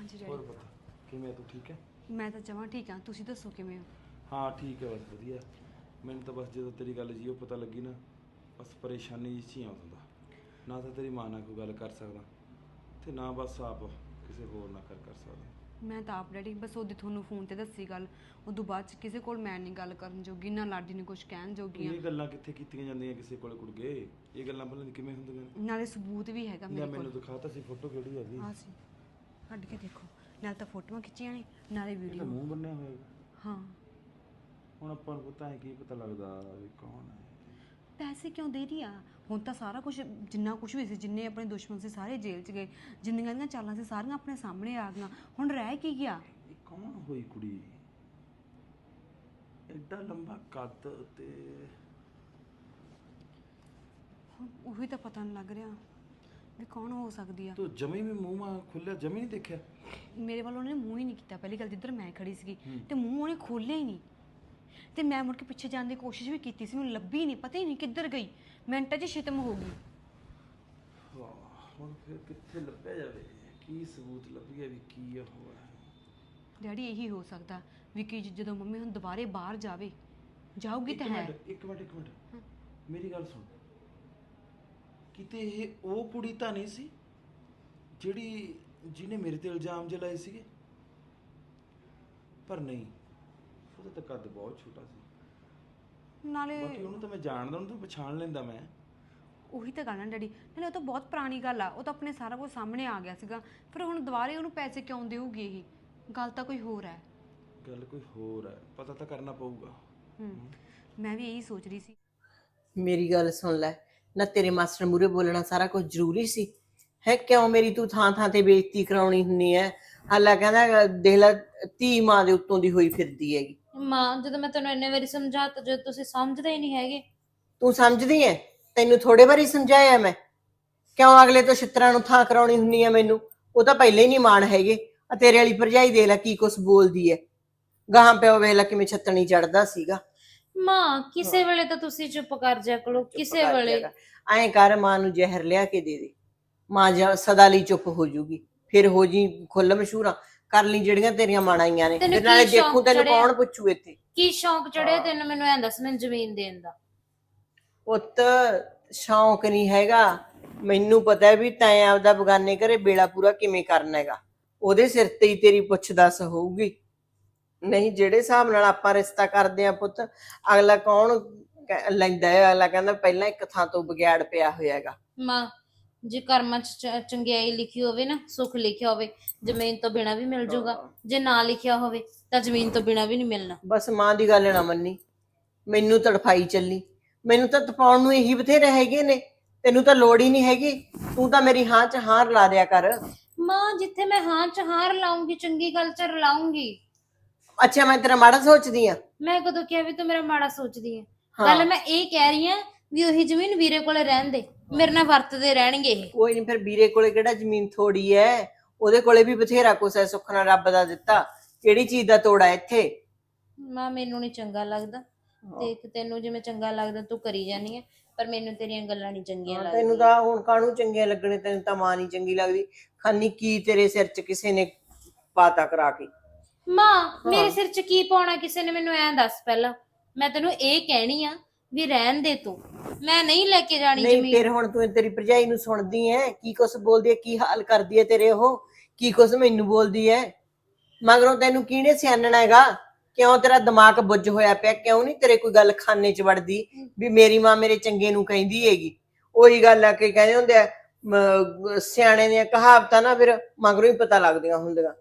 ਹਾਂਜੀ ਹੋਰ ਡੈਡੀ। ਪਤਾ ਕਿਵੇਂ ਤੂੰ ਠੀਕ ਹੈ? ਮੈਂ ਤਾਂ ਜਮਾਂ ਠੀਕ ਹਾਂ, ਤੁਸੀਂ ਦੱਸੋ ਕਿਵੇਂ ਹੋ? ਹਾਂ ਠੀਕ ਹੈ ਬਸ ਵਧੀਆ। ਮੈਨੂੰ ਤਾਂ ਬਸ ਜਦੋਂ ਤੇਰੀ ਗੱਲ ਜੀ ਉਹ ਪਤਾ ਲੱਗੀ ਨਾ, ਬਸ ਪਰੇਸ਼ਾਨੀ ਜਿਹੀ 'ਚ ਹੀ ਆਉਂਦਾ। ਨਾ ਤਾਂ ਤੇਰੀ ਮਾਂ ਨਾਲ ਕੋਈ ਗੱਲ ਕਰ ਸਕਦਾ ਤੇ ਨਾ ਬਸ ਆਪ ਕਿਸੇ ਹੋਰ ਨਾਲ ਕਰ ਸਕਦਾ। ਮੈਂ ਤਾਂ ਆਪ ਡੈਡੀ ਬਸ ਉਹਦੀ ਤੁਹਾਨੂੰ ਫੋਨ ਤੇ ਦੱਸੀ ਗੱਲ, ਉਦੋਂ ਬਾਅਦ ਚ ਕਿਸੇ ਕੋਲ ਮੈਂ ਨਹੀਂ ਗੱਲ ਕਰਨ ਜੋਗੀ, ਨਾ ਲਾਡੀ ਨੇ ਕੁਝ ਕਹਿਣ ਜੋਗੀਆਂ। ਇਹ ਗੱਲਾਂ ਕਿੱਥੇ ਕੀਤੀਆਂ ਜਾਂਦੀਆਂ ਕਿਸੇ ਕੋਲੇ ਕੁੜਗੇ? ਇਹ ਗੱਲਾਂ ਭਲਾ ਕਿਵੇਂ ਹੁੰਦੀਆਂ ਨੇ? ਨਾਲੇ ਸਬੂਤ ਵੀ ਹੈਗਾ ਲੈ ਮੇਰੇ ਕੋਲ। ਮੈਨੂੰ ਦਿਖਾਤਾ ਸੀ ਫੋਟੋ ਕਿਹੜੀ ਹੈਗੀ? ਆ ਸੀ, ਕੱਢ ਕੇ ਦੇਖੋ। ਨਾਲੇ ਤਾਂ ਫੋਟੋਆਂ ਖਿੱਚੀਆਂ ਨੇ, ਨਾਲੇ ਇਹ ਤਾਂ ਵੀਡੀਓ। ਮੂੰਹ ਬੰਨਿਆ ਹੋਇਆ ਹੈਗਾ। ਹਾਂ। ਹੁਣ ਆਪਾਂ ਨੂੰ ਪਤਾ ਹੈ ਕੀ ਪਤਾ ਲੱਗਦਾ ਵੀ ਕੌਣ ਹੈ? ਪੈਸੇ ਕਿਉਂ ਦੇ ਰਹੀ ਆ? ਹੁਣ ਤਾਂ ਸਾਰਾ ਕੁਝ, ਜਿੰਨਾ ਕੁਝ ਵੀ ਸੀ, ਜਿੰਨੇ ਆਪਣੇ ਦੁਸ਼ਮਣ ਸੀ ਸਾਰੇ ਜੇਲ੍ਹ 'ਚ ਗਏ, ਜਿੰਨੀਆਂ ਦੀਆਂ ਚਾਲਾਂ ਸੀ ਸਾਰੀਆਂ ਆਪਣੇ ਸਾਹਮਣੇ ਆ ਗਈਆਂ। ਹੁਣ ਰਹਿ ਕੀ ਗਿਆ? ਇਹ ਕੌਣ ਹੋਈ ਕੁੜੀ? ਐਡਾ ਲੰਬਾ ਕੱਦ ਤੇ ਹੁਣ ਉਹੀ ਤਾਂ ਪਤਾ ਨਹੀਂ ਲੱਗ ਰਿਹਾ ਵੀ ਕੌਣ ਹੋ ਸਕਦੀ ਆ। ਤੂੰ ਜਮੀ ਵੀ ਮੂੰਹ ਮਾ ਖੁੱਲਿਆ ਜਮੀ ਨਹੀਂ ਦੇਖਿਆ? ਮੇਰੇ ਵੱਲ ਉਹਨੇ ਮੂੰਹ ਹੀ ਨਹੀਂ ਕੀਤਾ। ਪਹਿਲੀ ਗੱਲ ਜਿੱਧਰ ਮੈਂ ਖੜੀ ਸੀਗੀ ਤੇ ਮੂੰਹ ਉਹਨੇ ਖੋਲ੍ਹਿਆ ਹੀ ਨਹੀਂ, ਤੇ ਮੈਂ ਮੁੜ ਕੇ ਪਿੱਛੇ ਜਾਣ ਦੀ ਕੋਸ਼ਿਸ਼ ਵੀ ਕੀਤੀ ਸੀ, ਮੈਨੂੰ ਲੱਭੀ ਨਹੀਂ, ਪਤਾ ਹੀ ਨਹੀਂ ਕਿੱਧਰ ਗਈ, ਮਿੰਟਾਂ 'ਚ ਖਤਮ ਹੋ ਗਈ। ਵਾਹ, ਹੁਣ ਫਿਰ ਕਿੱਥੇ ਲੱਭਿਆ ਜਾਵੇ? ਕੀ ਸਬੂਤ ਲੱਭੀਏ ਵੀ ਕੀ ਉਹ ਹੈ? ਡੈਡੀ ਇਹੀ ਹੋ ਸਕਦਾ ਵੀ ਕਿ ਜਦੋਂ ਮੰਮੀ ਹੁਣ ਦੁਬਾਰੇ ਬਾਹਰ ਜਾਊਗੀ ਤਾਂ ਹੈ। ਇੱਕ ਮਿੰਟ ਮੇਰੀ ਗੱਲ ਸੁਣ। ਕਿਤੇ ਇਹ ਉਹ ਕੁੜੀ ਤਾਂ ਨਹੀਂ ਸੀ ਜਿਹਨੇ ਮੇਰੇ ਤੇ ਇਲਜ਼ਾਮ ਲਾਏ ਸੀਗੇ? ਪਰ ਨਹੀਂ, ਉਹਦਾ ਤਾਂ ਕੱਦ ਬਹੁਤ ਛੋਟਾ ਸੀ। ਨਾਲੇ ਬਾਕੀ ਉਹਨੂੰ ਤਾਂ ਮੈਂ ਜਾਣਦਾ, ਉਹਨੂੰ ਤਾਂ ਪਛਾਣ ਲੈਂਦਾ ਮੈਂ। ਉਹੀ ਤਾਂ ਗੱਲ ਹੈ ਡੈਡੀ, ਨਾਲੇ ਉਹ ਤਾਂ ਬਹੁਤ ਪੁਰਾਣੀ ਗੱਲ ਆ, ਉਹ ਤਾਂ ਆਪਣੇ ਸਾਰਾ ਕੁਝ ਸਾਹਮਣੇ ਆ ਗਿਆ ਸੀਗਾ, ਫਿਰ ਹੁਣ ਦੁਬਾਰੇ ਉਹਨੂੰ ਪੈਸੇ ਕਿਉਂ ਦੇਊਗੀ? ਇਹ ਗੱਲ ਤਾਂ ਕੋਈ ਹੋਰ ਹੈ। ਗੱਲ ਕੋਈ ਹੋਰ ਹੈ, ਪਤਾ ਤਾਂ ਕਰਨਾ ਪਊਗਾ। ਮੈਂ ਵੀ ਇਹੀ ਸੋਚ ਰਹੀ ਸੀ। ਮੇਰੀ ਗੱਲ ਸੁਣ ਲੈ ਨਾ, ਤੇਰੇ ਮਾਸਟਰ ਮੂਰੇ ਬੋਲਣਾ ਸਾਰਾ ਕੁਝ ਜ਼ਰੂਰੀ ਸੀ ਹੈ? ਕਿਉਂ ਮੇਰੀ ਤੂੰ ਥਾਂ ਥਾਂ ਤੇ ਬੇਇੱਜ਼ਤੀ ਕਰਾਉਣੀ ਹੁੰਨੀ ਹੈ? ਹਾਲਾ ਕਹਿੰਦਾ ਦੇਖ ਲੈ, ਧੀ ਮਾਂ ਦੇ ਉੱਤੋਂ ਦੀ ਹੋਈ ਫਿਰਦੀ ਹੈਗੀ। ਮਾਂ, ਜਦੋਂ ਮੈਂ ਤੈਨੂੰ ਇੰਨੇ ਵਾਰੀ ਸਮਝਾਤਾ, ਜਦੋਂ ਤੁਸੀਂ ਸਮਝਦੇ ਹੀ ਨਹੀਂ ਹੈਗੇ। ਤੂੰ ਸਮਝਦੀ ਐ? ਤੈਨੂੰ ਥੋੜੇ ਵਾਰੀ ਸਮਝਾਇਆ ਮੈਂ। ਕਿਉਂ ਅਗਲੇ ਤੋਂ ਛਿੱਤਰਾਂ ਨੂੰ ਥਾਂ ਕਰਾਉਣੀ ਹੁੰਨੀ ਹੈ ਮੈਨੂੰ? ਉਹ ਤਾਂ ਪਹਿਲੇ ਹੀ ਨਹੀਂ ਮਾਣ ਹੈਗੇ। ਆ ਤੇਰੇ ਵਾਲੀ ਭਰਜਾਈ ਦੇਖ ਲੈ ਕੀ ਕੁਛ ਬੋਲਦੀ ਹੈ। ਗਾਹਾਂ ਪਿਓ ਵੇਖ ਲੈ ਕਿਵੇਂ ਛੱਤਣੀ ਚੜਦਾ ਸੀਗਾ। ਮਾਂ, ਕਿਸੇ ਵੇਲੇ ਤਾਂ ਤੁਸੀਂ ਚੁੱਪ ਕਰ ਜਾ ਕਰੋ, ਕਿਸੇ ਵੇਲੇ। ਐਂ ਕਰ, ਮਾਂ ਨੂੰ ਜ਼ਹਿਰ ਲਿਆ ਕੇ ਦੇ ਦੇ, ਮਾਂ ਸਦਾ ਲਈ ਚੁੱਪ ਹੋ ਜੂਗੀ। ਫਿਰ ਹੋ ਜੀ ਖੁੱਲ ਮਸ਼ਹੂਰਾਂ ਕਰ ਲਈ ਜਿਹੜੀਆਂ ਤੇਰੀਆਂ ਮਾਣਾਈਆਂ ਨੇ, ਤੈਨੂੰ ਫਿਰ ਨਾਲੇ ਕੀ ਦੇਖੂ ਸ਼ੌਂਕ ਤੈਨੂੰ ਚੜਿਆ? ਕੌਣ ਪੁੱਛੂ ਇੱਥੇ। ਕੀ ਸ਼ੌਂਕ ਚੜਿਆ ਤੈਨੂੰ? ਮੈਨੂੰ ਐਂ ਦੱਸ, ਮੈਨੂੰ ਜ਼ਮੀਨ ਦੇਣ ਦਾ। ਪੁੱਤ, ਸ਼ੌਂਕ ਨਹੀਂ ਹੈਗਾ, ਮੈਨੂੰ ਪਤਾ ਹੈ ਵੀ ਤੈਂ ਆਪਦਾ ਬਗਾਨੇ ਘਰੇ ਬੇੜਾ ਪੂਰਾ ਕਿਵੇਂ ਕਰਨਾ ਹੈਗਾ। ਉਹਦੇ ਸਿਰ ਤੇ ਹੀ ਤੇਰੀ ਪੁੱਛ ਦੱਸ ਹੋਊਗੀ। ਨਹੀਂ, ਜਿਹੜੇ ਹਿਸਾਬ ਨਾਲ ਆਪਾਂ ਰਿਸ਼ਤਾ ਕਰਦੇ ਆ ਪੁੱਤ, ਅਗਲਾ ਕੌਣ ਲੈਂਦਾ ਹੈ? ਅਗਲਾ ਕਹਿੰਦਾ ਪਹਿਲਾਂ ਇੱਕ ਥਾਂ ਤੋਂ ਬਗਿਆੜ ਪਿਆ ਹੋਇਆ ਹੈਗਾ। ਮਾਂ, ਜੇ ਕਰਮਾਂ 'ਚ ਚੰਗਿਆਈ ਲਿਖੀ ਹੋਵੇ ਨਾ, ਸੁੱਖ ਲਿਖਿਆ ਹੋਵੇ, ਜ਼ਮੀਨ ਤੋਂ ਬਿਨਾਂ ਵੀ ਮਿਲ ਜਾਊਗਾ। ਜੇ ਨਾ ਲਿਖਿਆ ਹੋਵੇ ਤਾਂ ਜ਼ਮੀਨ ਤੋਂ ਬਿਨਾਂ ਵੀ ਨਹੀਂ ਮਿਲਣਾ। ਬਸ ਮਾਂ ਦੀ ਗੱਲ ਨਾ ਮੰਨੀ, ਮੈਨੂੰ ਤੜਫਾਈ ਚੱਲੀ। ਮੈਨੂੰ ਤਾਂ ਤਪਾਉਣ ਨੂੰ ਇਹੀ ਬਥੇਰੇ ਹੈਗੇ ਨੇ, ਤੈਨੂੰ ਤਾਂ ਲੋੜ ਹੀ ਨਹੀਂ ਹੈਗੀ। ਤੂੰ ਤਾਂ ਮੇਰੀ ਹਾਂ 'ਚ ਹਾਂ ਰਲਾ ਦਿਆ ਕਰ। ਮਾਂ, ਜਿੱਥੇ ਮੈਂ ਹਾਂ 'ਚ ਹਾਂ ਰਲਾਉਂਗੀ, ਚੰਗੀ ਗੱਲ 'ਚ ਰਲਾਉਂਗੀ। ਅੱਛਾ, ਮੈਂ ਤੇਰਾ ਮਾੜਾ ਸੋਚਦੀ ਆ? ਮੈਂ ਕਦੋਂ ਕਿਹਾ ਵੀ ਤੂੰ ਮੇਰਾ ਮਾੜਾ ਸੋਚਦੀ ਹੈ? ਗੱਲ ਮੈਂ ਇਹ ਕਹਿ ਰਹੀ ਆ ਵੀ ਉਹੀ ਜ਼ਮੀਨ ਵੀਰੇ ਕੋਲੇ ਰਹਿਣ ਦੇ, ਮੇਰੇ ਨਾਲ ਵਰਤਦੇ ਰਹਿਣਗੇ ਇਹ। ਕੋਈ ਨਹੀਂ, ਫਿਰ ਵੀਰੇ ਕੋਲੇ ਕਿਹੜਾ ਜ਼ਮੀਨ ਥੋੜੀ ਐ? ਉਹਦੇ ਕੋਲੇ ਵੀ ਬਥੇਰਾ ਕੁਛ ਹੈ, ਸੁੱਖ ਨਾਲ ਰੱਬ ਦਾ ਦਿੱਤਾ। ਕਿਹੜੀ ਚੀਜ਼ ਦਾ ਤੋੜਾ ਇੱਥੇ? ਮਾਂ, ਮੈਨੂੰ ਨਹੀਂ ਚੰਗਾ ਲੱਗਦਾ। ਦੇਖ, ਤੈਨੂੰ ਜਿਵੇਂ ਚੰਗਾ ਲੱਗਦਾ ਤੂੰ ਕਰੀ ਜਾਨੀ ਹੈ, ਪਰ ਮੈਨੂੰ ਤੇਰੀਆਂ ਗੱਲਾਂ ਨਹੀਂ ਚੰਗੀਆਂ ਲੱਗਦੀਆਂ। ਤੈਨੂੰ ਤਾਂ ਹੁਣ ਕਾਹਨੂੰ ਚੰਗੀਆਂ ਲੱਗਣੇ? ਤੈਨੂੰ ਤਾਂ ਮਾਂ ਨਹੀਂ ਚੰਗੀ ਲੱਗਦੀ। ਖਾਨੀ ਕੀ ਤੇਰੇ ਸਿਰ 'ਚ ਕਿਸੇ ਨੇ ਪਾਤਾ ਕਰਾ ਕੇ? ਮਾਂ, ਮੇਰੇ ਸਿਰ 'ਚ ਕੀ ਪਾਉਣਾ ਕਿਸੇ ਨੇ? ਮੈਨੂੰ ਐਂ ਦੱਸ ਪਹਿਲਾਂ। ਮੈਂ ਤੈਨੂੰ ਇਹ ਕਹਿਣੀ ਆ ਵੀ ਰਹਿਣ ਦੇ ਤੂੰ, ਮੈਂ ਨਹੀਂ ਲੈ ਕੇ ਜਾਣੀ ਨਹੀਂ, ਜ਼ਮੀਨ। ਫਿਰ ਹੁਣ ਤੂੰ ਤੇਰੀ ਭਰਜਾਈ ਨੂੰ ਸੁਣਦੀ ਐ ਕੀ ਕੁਛ ਬੋਲਦੀ ਐ, ਕੀ ਹਾਲ ਕਰਦੀ ਐ ਤੇਰੇ? ਉਹ ਕੀ ਕੁਛ ਮੈਨੂੰ ਬੋਲਦੀ ਐ? ਮਗਰੋਂ ਤੈਨੂੰ ਕਿਹਨੇ ਸਿਆਣਨਾ ਹੈਗਾ? ਕਿਉਂ ਤੇਰਾ ਦਿਮਾਗ ਬੁੱਝ ਹੋਇਆ ਪਿਆ? ਕਿਉਂ ਨਹੀਂ ਤੇਰੇ ਕੋਈ ਗੱਲ ਖਾਨੇ 'ਚ ਵੜਦੀ ਵੀ ਮੇਰੀ ਮਾਂ ਮੇਰੇ ਚੰਗੇ ਨੂੰ ਕਹਿੰਦੀ ਹੈਗੀ? ਉਹੀ ਗੱਲ ਆ ਕਿ ਕਹਿੰਦੇ ਹੁੰਦੇ ਆ ਸਿਆਣੇ ਦੀਆਂ ਕਹਾਵਤਾਂ ਨਾ ਫਿਰ ਮਗਰੋਂ ਹੀ ਪਤਾ ਲੱਗਦੀਆਂ ਹੁੰਦੀਆਂ।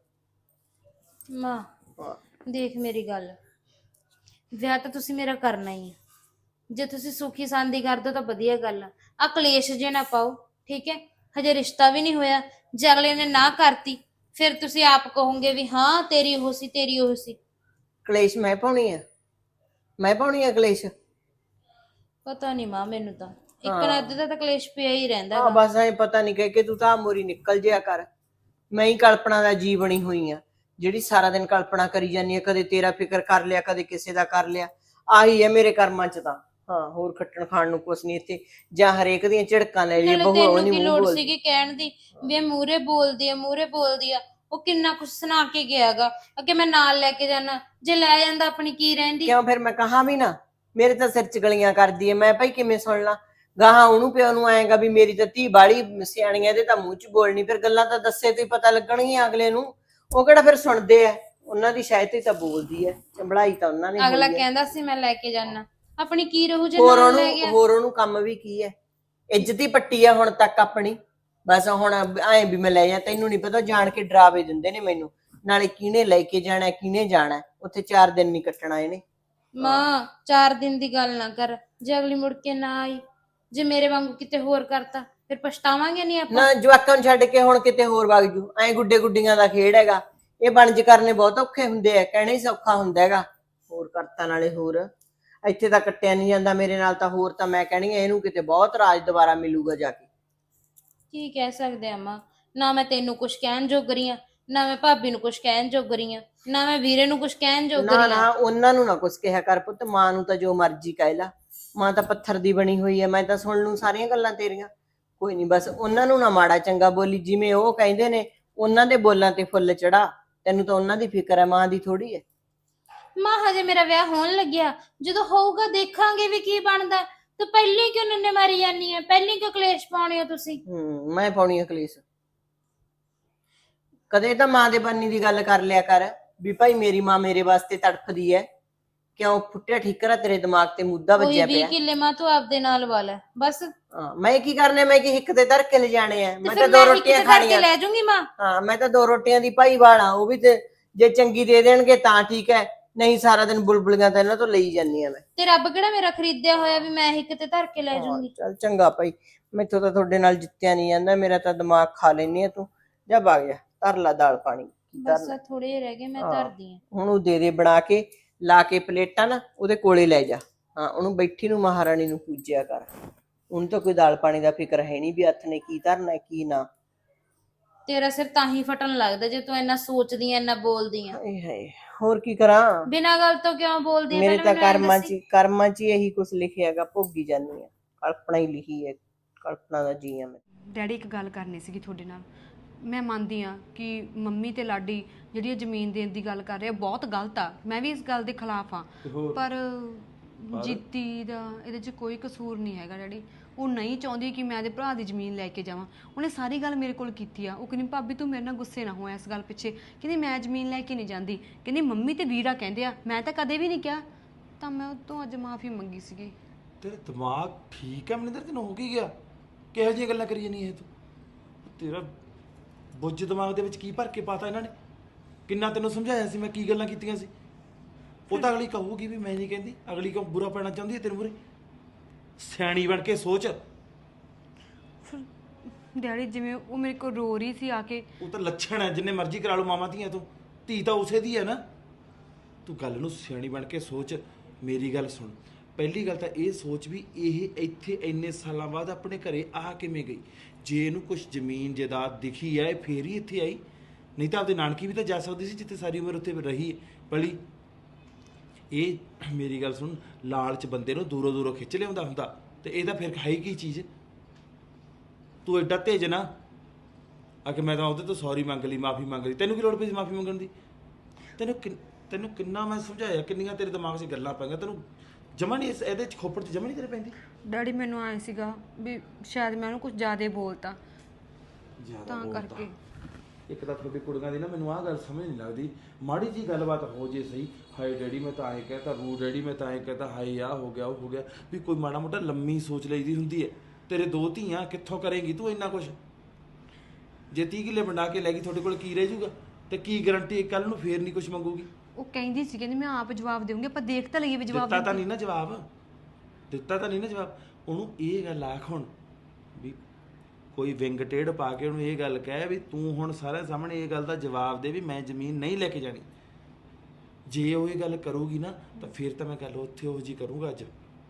ਮਾਂ, ਦੇਖ ਮੇਰੀ ਗੱਲ, ਵਿਆਹ ਤਾਂ ਤੁਸੀਂ ਮੇਰਾ ਕਰਨਾ ਹੀ ਆ। ਜੇ ਤੁਸੀਂ ਸੁਖੀ ਸਾਂਦੀ ਕਰਦੇ ਹੋ ਤਾਂ ਵਧੀਆ ਗੱਲ ਆ ਕਲੇਸ਼ ਜੇ ਨਾ ਪਾਓ, ਠੀਕ ਹੈ? ਹਜੇ ਰਿਸ਼ਤਾ ਵੀ ਨਹੀਂ ਹੋਇਆ, ਜੇ ਅਗਲੇ ਨੇ ਨਾ ਕਰਤੀ ਫਿਰ ਤੁਸੀਂ ਆਪ ਕਹੋਗੇ ਵੀ ਹਾਂ ਤੇਰੀ ਉਹ ਸੀ, ਤੇਰੀ ਉਹ ਸੀ। ਕਲੇਸ਼ ਮੈਂ ਪਾਉਣੀ ਆ? ਮੈਂ ਪਾਉਣੀ ਆ ਕਲੇਸ਼? ਪਤਾ ਨਹੀਂ ਮਾਂ, ਮੈਨੂੰ ਤਾਂ ਇੱਕ ਨਾ ਅੱਧੇ ਦਾ ਤਾਂ ਕਲੇਸ਼ ਪਿਆ ਹੀ ਰਹਿੰਦਾ ਹਾਂ, ਬਸ ਐ ਪਤਾ ਨਹੀਂ ਕਿ ਤੂੰ ਤਾਂ ਮੋਰੀ ਨਿਕਲ ਜਿਆ ਕਰ। ਮੈਂ ਹੀ ਕਲਪਨਾ ਦਾ ਜੀ ਬਣੀ ਹੋਈ ਆ, ਜਿਹੜੀ ਸਾਰਾ ਦਿਨ ਕਲਪਨਾ ਕਰੀ ਜਾਂਦੀ ਆ। ਕਦੇ ਤੇਰਾ ਫਿਕਰ ਕਰ ਲਿਆ, ਕਦੇ ਕਿਸੇ ਦਾ ਕਰ ਲਿਆ। ਆਹੀ ਹੈ ਮੇਰੇ ਕਰਮਾਂ 'ਚ ਤਾਂ। ਹਾਂ, ਹੋਰ ਖੱਟਣ ਖਾਣ ਨੂੰ ਕੁਛ ਨਹੀਂ ਇੱਥੇ। ਜਾਂ ਹਰੇਕ ਦੀਆਂ ਝਿੜਕਾਂ ਲੈ ਲਈਏ, ਨਾਲੇ ਬਹੂ ਉਹ ਤੈਨੂੰ ਨੀ ਕੀ ਮੂੰਹ ਲੋੜ ਬੋਲਦੀ। ਸੀਗੀ ਕਹਿਣ ਦੀ ਵੀ ਇਹ ਮੂਹਰੇ ਬੋਲਦੀ ਆ, ਮੂਹਰੇ ਬੋਲਦੀ ਆ? ਉਹ ਕਿੰਨਾ ਕੁਛ ਸੁਣਾ ਕੇ ਗਿਆਗਾ ਕਿ ਮੈਂ ਨਾਲ ਲੈ ਕੇ ਜਾਣਾ। ਜੇ ਲੈ ਜਾਂਦਾ ਆਪਣੀ ਕੀ ਰਹਿੰਦੀ। ਕਿਉਂ ਫਿਰ ਮੈਂ ਕਹਾ ਵੀ ਨਾ, ਮੇਰੇ ਤਾਂ ਸਿਰ ਚ ਗਲੀਆਂ ਕਰਦੀ ਐ, ਮੈਂ ਭਾਈ ਕਿਵੇਂ ਸੁਣ ਲਾਂ? ਗਾਹਾਂ ਉਹਨੂੰ ਪਿਓ ਨੂੰ ਆਏਗਾ ਵੀ ਮੇਰੀ ਤਾਂ ਧੀ ਬਾੜੀ ਸਿਆਣੀ ਐ, ਇਹਦੇ ਤਾਂ ਮੂੰਹ ਚ ਬੋਲਣੀ, ਫਿਰ ਗੱਲਾਂ ਤਾਂ ਦੱਸੇ ਤੋਂ ਹੀ ਪਤਾ ਲੱਗਣਗੀਆਂ ਅਗਲੇ ਨੂੰ। ਉਹ ਕਿਹੜਾ ਫਿਰ ਸੁਣਦੇ ਐ, ਉਹਨਾਂ ਦੀ ਸ਼ਾਇਦ ਹੀ ਤਾਂ ਬੋਲਦੀ ਐ, ਚੰਬੜਾਈ ਤਾਂ ਉਹਨਾਂ ਨੇ ਅਗਲਾ ਹੋਈ ਐ। ਕਹਿੰਦਾ ਸੀ ਮੈਂ ਲੈ ਕੇ ਜਾਣਾ, ਆਪਣੀ ਕੀ ਰਹੂ ਜੇ ਹੋਰ ਨਾਲ ਲੈ ਗਿਆ। ਉਹਨੂੰ ਕੰਮ ਵੀ ਕੀ ਐ? ਇੱਜ਼ਤ ਹੀ ਪੱਟੀ ਆ ਹੁਣ ਤੱਕ ਆਪਣੀ। ਬਸ ਹੁਣ ਐਂ ਵੀ ਮੈਂ ਲੈ ਜਾ, ਤੈਨੂੰ ਨਹੀਂ ਪਤਾ, ਜਾਣ ਕੇ ਡਰਾਵੇ ਦਿੰਦੇ ਨੇ ਮੈਨੂੰ, ਨਾਲੇ ਕਿਹਨੇ ਲੈ ਕੇ ਜਾਣਾ ਕਿਹਨੇ ਜਾਣਾ, ਉੱਥੇ 4 ਦਿਨ ਨਹੀਂ ਕੱਟਣਾ ਇਹਨੇ। ਮਾਂ 4 ਦਿਨ ਦੀ ਗੱਲ ਨਾ ਕਰ, ਜੇ ਅਗਲੀ ਮੁੜ ਕੇ ਨਾ ਆਈ, ਜੇ ਮੇਰੇ ਵਾਂਗੂ ਕਿਤੇ ਹੋਰ ਕਰਤਾ ਫਿਰ ਪਛਤਾਵਾਂਗੇ ਨਹੀਂ ਆਪਾਂ। ਨਾ ਜਵਾਕਾਂ ਨੂੰ ਛੱਡ ਕੇ ਹੁਣ ਕਿਤੇ ਹੋਰ ਵਗ ਜੂ, ਐਂ ਗੁੱਡੇ ਗੁੱਡੀਆਂ ਦਾ ਖੇਡ ਹੈਗਾ। ਇਹ ਬਣਜ ਕਰਨੇ ਬਹੁਤ ਔਖੇ ਹੁੰਦੇ ਆ, ਕਹਿਣਾ ਹੀ ਸੌਖਾ ਹੁੰਦਾ ਹੈਗਾ। ਹੋਰ ਕਰਤਾ ਨਾਲੇ ਹੋਰ, ਇੱਥੇ ਤਾਂ ਕੱਟਿਆ ਨਹੀਂ ਜਾਂਦਾ ਮੇਰੇ ਨਾਲ, ਤਾਂ ਹੋਰ ਤਾਂ ਮੈਂ ਕਹਿਣੀ ਆ ਇਹਨੂੰ ਕਿਤੇ ਬਹੁਤ ਰਾਜ ਦੁਬਾਰਾ ਮਿਲੂਗਾ ਜਾ ਕੇ। ਕੀ ਕਹਿ ਸਕਦੇ ਆ ਮਾਂ, ਨਾ ਮੈਂ ਤੈਨੂੰ ਕੁਝ ਕਹਿਣ ਜੋਗਰੀ ਆਂ, ਨਾ ਮੈਂ ਭਾਬੀ ਨੂੰ ਕੁਝ ਕਹਿਣ ਜੋਗਰੀ ਆਂ, ਨਾ ਮੈਂ ਵੀਰੇ ਨੂੰ ਕੁਝ ਕਹਿਣ ਨਾ ਜੋਗਰੀ ਨਾ ਆਂ। ਉਹਨਾਂ ਨੂੰ ਨਾ ਕੁਛ ਕਿਹਾ ਕਰ ਪੁੱਤ, ਮਾਂ ਨੂੰ ਤਾਂ ਜੋ ਮਰਜ਼ੀ ਕਹਿ ਲਾ, ਮਾਂ ਤਾਂ ਪੱਥਰ ਦੀ ਬਣੀ ਹੋਈ ਹੈ, ਮੈਂ ਤਾਂ ਸੁਣ ਲੂੰ ਸਾਰੀਆਂ ਗੱਲਾਂ ਤੇਰੀਆਂ। ਕੋਈ ਨਹੀਂ, ਬਸ ਉਹਨਾਂ ਨੂੰ ਨਾ ਮਾੜਾ ਚੰਗਾ ਬੋਲੀ, ਜਿਵੇਂ ਉਹ ਕਹਿੰਦੇ ਨੇ ਉਹਨਾਂ ਦੇ ਬੋਲਾਂ ਤੇ ਫੁੱਲ ਚੜਾ। ਤੈਨੂੰ ਤਾਂ ਉਹਨਾਂ ਦੀ ਫਿਕਰ ਹੈ, ਮਾਂ ਦੀ ਥੋੜੀ ਹੈ। ਮਾਂ ਹਜੇ ਮੇਰਾ ਵਿਆਹ ਹੋਣ ਲੱਗਿਆ, ਜਦੋਂ ਹੋਊਗਾ ਦੇਖਾਂਗੇ ਵੀ ਕੀ ਬਣਦਾ। ਤੂੰ ਪਹਿਲੀ ਕਿਉਂ ਨੰਨੇ ਮਾਰੀ ਜਾਨੀ ਹੈ, ਪਹਿਲੀ ਕਿਉਂ ਕਲੇਸ਼ ਪਾਉਣੇ ਹੋ ਤੁਸੀਂ? ਮੈਂ ਪਾਉਣੀ ਆ ਕਲੇਸ਼? ਕਦੇ ਤਾਂ ਮਾਂ ਦੇ ਬੰਨੀ ਦੀ ਗੱਲ ਕਰ ਲਿਆ ਕਰ ਵੀ ਭਾਈ ਮੇਰੀ ਮਾਂ ਮੇਰੇ ਵਾਸਤੇ ਤੜਫਦੀ ਹੈ। ਕਿਉਂ ਫੁੱਟਿਆ ਠੀਕਰਾ ਤੇਰੇ ਦਿਮਾਗ ਤੇ ਮੁੱਦਾ ਕੋਈ ਵੱਜਿਆ 20 ਪਿਆ? ਕਿੱਲੇ ਮਾਂ ਤੂੰ ਆਪਦੇ ਨਾਲ ਵਾਲਾ ਬਸ। ਹਾਂ, ਮੈਂ ਕੀ ਕਰਨੇ, ਮੈਂ ਕੀ ਹਿੱਕ ਤੇ ਧਰ ਕੇ ਲਿਜਾਣੇ ਆ? ਤੇ ਮੈਂ ਫਿਰ ਤਾਂ 2 ਮੈਂ ਹੀ ਰੋਟੀਆਂ ਕਿਤੇ ਕਰਕੇ ਖਾਣੀਆਂ। ਲੈ ਜਾਊਂਗੀ ਮਾਂ। ਹਾਂ, ਮੈਂ ਤਾਂ 2 ਰੋਟੀਆਂ ਦੀ ਭਾਈ ਵਾਲਾ, ਉਹ ਵੀ ਤੇ ਜੇ ਚੰਗੀ ਦੇ ਦੇਣਗੇ ਤਾਂ ਠੀਕ ਹੈ, ਨਹੀਂ ਸਾਰਾ ਦਿਨ ਬੁਲਬੁਲੀਆਂ ਤਾਂ ਇਹਨਾਂ ਤੋਂ ਲਈ ਜਾਂਦੀ ਆ ਮੈਂ। ਤੇ ਰੱਬ ਕਿਹੜਾ ਮੇਰਾ ਖਰੀਦਿਆ ਹੋਇਆ ਵੀ ਮੈਂ ਹੀ ਕਿਤੇ ਧਰ ਕੇ ਲੈ ਜਾਊਂਗੀ। ਚੱਲ ਚੰਗਾ ਭਾਈ, ਮੈਥੋਂ ਤਾਂ ਤੁਹਾਡੇ ਨਾਲ ਜਿੱਤਿਆ ਨਹੀਂ ਜਾਂਦਾ, ਮੇਰਾ ਤਾਂ ਦਿਮਾਗ ਖਾ ਲੈਨੀ ਆ ਤੂੰ। ਜਾ ਵਗ ਜਾ, ਧਰ ਲਾ ਦਾਲ ਪਾਣੀ। ਬਸ ਥੋੜੇ ਜਿਹੇ ਰਹਿ ਗਏ, ਮੈਂ ਧਰਦੀ ਆਂ। ਹੁਣ ਉਹ ਦੇ ਬਣਾ ਕੇ, ਲਾ ਕੇ ਪਲੇਟਾਂ ਨਾ ਉਹਦੇ ਕੋਲੇ ਲੈ ਜਾ। ਹਾਂ, ਉਹਨੂੰ ਬੈਠੀ ਨੂੰ ਮਹਾਰਾਣੀ ਨੂੰ ਪੂਜਿਆ ਕਰ। ਉਹਨੂੰ ਤਾਂ ਕੋਈ ਦਾਲ ਪਾਣੀ ਦਾ ਫਿਕਰ ਹੈ ਨਹੀਂ ਵੀ ਹੱਥ ਨੇ ਕੀ ਧਰਨਾ ਕੀ ਨਾ। ਤੇਰਾ ਸਿਰ ਤਾਂ ਹੀ ਫਟਣ ਲੱਗਦਾ ਜੇ ਤੂੰ ਇੰਨਾ ਸੋਚਦੀ ਆਂ, ਇੰਨਾ ਬੋਲਦੀ ਆਂ। ਹਾਏ ਹਾਏ, ਹੋਰ ਕੀ ਕਰਾਂ? ਬਿਨਾਂ ਗੱਲ ਤੋਂ ਕਿਉਂ ਬੋਲਦੀ ਆਂ? ਮੇਰੇ ਪਹਿਲਾਂ ਤਾਂ ਮੈਨੂੰ ਐਂ ਦੱਸੀ। ਕਰਮਾਂ 'ਚ ਹੀ ਇਹੀ ਕੁਝ ਲਿਖਿਆਗਾ, ਭੋਗੀ ਜਾਂਦੀ ਆ। ਕਲਪਨਾ ਹੀ ਲਿਖੀ ਹੈ, ਕਲਪਨਾ ਦਾ ਜੀ ਆ ਮੈਂ। ਡੈਡੀ ਇੱਕ ਗੱਲ ਕਰਨੀ ਸੀਗੀ ਤੁਹਾਡੇ ਨਾਲ। ਮੈਂ ਮੰਨਦੀ ਆ ਕਿ ਮੰਮੀ ਤੇ ਲਾਡੀ ਜਿਹੜੀ ਇਹ ਜ਼ਮੀਨ ਦੇਣ ਦੀ ਗੱਲ ਕਰ ਰਹੇ ਆ ਬਹੁਤ ਗਲਤ ਆ, ਮੈਂ ਵੀ ਇਸ ਗੱਲ ਦੇ ਖਿਲਾਫ ਆ, ਪਰ ਜੀਤੀ ਦਾ ਇਹਦੇ 'ਚ ਕੋਈ ਕਸੂਰ ਨਹੀਂ ਹੈਗਾ ਡੈਡੀ। ਉਹ ਨਹੀਂ ਚਾਹੁੰਦੀ ਕਿ ਮੈਂ ਇਹਦੇ ਭਰਾ ਦੀ ਜ਼ਮੀਨ ਲੈ ਕੇ ਜਾਵਾਂ। ਉਹਨੇ ਸਾਰੀ ਗੱਲ ਮੇਰੇ ਕੋਲ ਕੀਤੀ ਆ। ਉਹ ਕਹਿੰਦੀ ਭਾਬੀ ਤੂੰ ਮੇਰੇ ਨਾਲ ਗੁੱਸੇ ਨਾ ਹੋ ਇਸ ਗੱਲ ਪਿੱਛੇ, ਕਹਿੰਦੀ ਮੈਂ ਜ਼ਮੀਨ ਲੈ ਕੇ ਨਹੀਂ ਜਾਂਦੀ, ਕਹਿੰਦੀ ਮੰਮੀ ਤੇ ਵੀਰਾ ਕਹਿੰਦੇ ਆ, ਮੈਂ ਤਾਂ ਕਦੇ ਵੀ ਨਹੀਂ ਕਿਹਾ। ਤਾਂ ਮੈਂ ਉਹ ਤੋਂ ਅੱਜ ਮਾਫੀ ਮੰਗੀ ਸੀਗੀ। ਤੇਰਾ ਦਿਮਾਗ ਠੀਕ ਹੈ ਮਨਿੰਦਰ? ਤੈਨੂੰ ਹੋ ਕੀ ਗਿਆ? ਕਿਹੋ ਜਿਹੀਆਂ ਗੱਲਾਂ ਕਰੀ ਜਾਨੀ ਇਹ ਤੂੰ? ਤੇਰਾ ਬੁੱਝ ਦਿਮਾਗ ਦੇ ਵਿੱਚ ਕੀ ਭਰ ਕੇ ਪਾਤਾ ਇਹਨਾਂ ਨੇ? ਕਿੰਨਾ ਤੈਨੂੰ ਸਮਝਾਇਆ ਸੀ ਮੈਂ, ਕੀ ਗੱਲਾਂ ਕੀਤੀਆਂ ਸੀ? ਉਹ ਤਾਂ ਅਗਲੀ ਕਹੂਗੀ ਵੀ ਮੈਂ ਨਹੀਂ ਕਹਿੰਦੀ, ਅਗਲੀ ਕਿਉਂ ਬੁਰਾ ਪੈਣਾ ਚਾਹੁੰਦੀ ਹੈ ਤੇਰੇ ਮੂਹਰੇ? ਸਿਆਣੀ ਬਣ ਕੇ ਸੋਚ। ਡੈਡੀ ਜਿਵੇਂ ਉਹ ਮੇਰੇ ਕੋਲ ਰੋ ਰਹੀ ਸੀ ਆ ਕੇ। ਉਹ ਤਾਂ ਲੱਛਣ ਹੈ, ਜਿੰਨੇ ਮਰਜ਼ੀ ਕਰਾ ਲਓ ਮਾਵਾਂ ਧੀਆਂ ਤੋਂ, ਧੀ ਤਾਂ ਉਸੇ ਦੀ ਹੈ ਨਾ। ਤੂੰ ਗੱਲ ਨੂੰ ਸਿਆਣੀ ਬਣ ਕੇ ਸੋਚ। ਮੇਰੀ ਗੱਲ ਸੁਣ, ਪਹਿਲੀ ਗੱਲ ਤਾਂ ਇਹ ਸੋਚ ਵੀ ਇਹ ਇੱਥੇ ਇੰਨੇ ਸਾਲਾਂ ਬਾਅਦ ਆਪਣੇ ਘਰੇ ਆ ਕਿਵੇਂ ਗਈ? ਜੇ ਇਹਨੂੰ ਕੁਝ ਜ਼ਮੀਨ ਜਾਇਦਾਦ ਦਿਖੀ ਹੈ ਫੇਰ ਹੀ ਇੱਥੇ ਆਈ, ਨਹੀਂ ਤਾਂ ਆਪਦੇ ਨਾਨਕੀ ਵੀ ਤਾਂ ਜਾ ਸਕਦੀ ਸੀ ਜਿੱਥੇ ਸਾਰੀ ਉਮਰ ਉੱਥੇ ਰਹੀ ਪਲੀ। ਇਹ ਮੇਰੀ ਗੱਲ ਸੁਣ, ਲਾਲਚ ਬੰਦੇ ਨੂੰ ਦੂਰੋਂ ਦੂਰੋਂ ਖਿੱਚ ਲਿਆਉਂਦਾ ਹੁੰਦਾ, ਤੇ ਇਹ ਤਾਂ ਫਿਰ ਹੈ ਹੀ ਕੀ ਚੀਜ਼? ਤੂੰ ਐਡਾ ਤੇਜ ਨਾ ਆ ਕਿ ਮੈਂ ਤਾਂ ਉਹਦੇ ਤੋਂ ਸੌਰੀ ਮੰਗ ਲਈ, ਮਾਫੀ ਮੰਗ ਲਈ। ਤੈਨੂੰ ਕੀ ਲੋੜ ਪਈ ਸੀ ਮਾਫੀ ਮੰਗਣ ਦੀ? ਤੈਨੂੰ ਕਿੰਨਾ ਮੈਂ ਸਮਝਾਇਆ, ਕਿੰਨੀਆਂ ਤੇਰੇ ਦਿਮਾਗ 'ਚ ਗੱਲਾਂ ਪੈ ਗਈਆਂ, ਤੈਨੂੰ ਜਮਾ ਨਹੀਂ ਇਹਦੇ 'ਚ ਖੋਪੜ 'ਚ ਜਮਾ ਨਹੀਂ ਤੇਰੇ ਪੈਂਦੀ। ਡੈਡੀ ਮੈਨੂੰ ਆਏ ਸੀਗਾ ਵੀ ਸ਼ਾਇਦ ਮੈਂ ਉਹਨੂੰ ਕੁਝ ਜ਼ਿਆਦਾ ਬੋਲਤਾ ਤਾਂ ਕਰਕੇ। ਇੱਕ ਤਾਂ ਤੁਹਾਡੀ ਕੁੜੀਆਂ ਦੀ ਨਾ ਮੈਨੂੰ ਆਹ ਗੱਲ ਸਮਝ ਨਹੀਂ ਲੱਗਦੀ, ਮਾੜੀ ਜੀ ਗੱਲਬਾਤ ਹੋ ਜੇ ਸਹੀ, ਹਾਏ ਡੈਡੀ ਮੈਂ ਤਾਂ ਐਂ ਕਹਿਤਾ, ਰੂ ਡੈਡੀ ਮੈਂ ਤਾਂ ਐਂ ਕਹਿਤਾ, ਹਾਏ ਆਹ ਹੋ ਗਿਆ ਉਹ ਹੋ ਗਿਆ, ਵੀ ਕੋਈ ਮਾੜਾ ਮੋਟਾ ਲੰਮੀ ਸੋਚ ਲਈਦੀ ਹੁੰਦੀ ਹੈ। ਤੇਰੇ 2 ਧੀਆਂ, ਕਿੱਥੋਂ ਕਰੇਂਗੀ ਤੂੰ ਇੰਨਾ ਕੁਛ? ਜੇ 30 ਕਿੱਲੇ ਵੰਡਾ ਕੇ ਲੈ ਗਈ ਤੁਹਾਡੇ ਕੋਲ ਕੀ ਰਹਿ ਜੂਗਾ? ਤੇ ਕੀ ਗਰੰਟੀ ਕੱਲ ਨੂੰ ਫੇਰ ਨਹੀਂ ਕੁਛ ਮੰਗੂਗੀ? ਉਹ ਕਹਿੰਦੀ ਸੀ, ਕਹਿੰਦੀ ਮੈਂ ਆਪ ਜਵਾਬ ਦੇਵਾਂਗੀ, ਆਪਾਂ ਦੇਖ ਤਾਂ ਲਈਏ ਵੀ ਜਵਾਬ ਦਿੱਤਾ ਤਾਂ ਨਹੀਂ ਨਾ ਜਵਾਬ। ਉਹਨੂੰ ਇਹ ਗੱਲ ਆਖ ਹੁਣ ਵੀ ਕੋਈ ਵਿੰਗ ਟੇਢ ਪਾ ਕੇ ਉਹਨੂੰ ਇਹ ਗੱਲ ਕਹਿ ਵੀ ਤੂੰ ਹੁਣ ਸਾਰਿਆਂ ਸਾਹਮਣੇ ਇਹ ਗੱਲ ਦਾ ਜਵਾਬ ਦੇ ਵੀ ਮੈਂ ਜ਼ਮੀਨ ਨਹੀਂ ਲੈ ਕੇ ਜਾਣੀ। ਜੇ ਉਹ ਇਹ ਗੱਲ ਕਰੂਗੀ ਨਾ ਤਾਂ ਫਿਰ ਤਾਂ ਮੈਂ ਗੱਲ ਉੱਥੇ ਉਹ ਜੀ ਕਰੂੰਗਾ। ਅੱਜ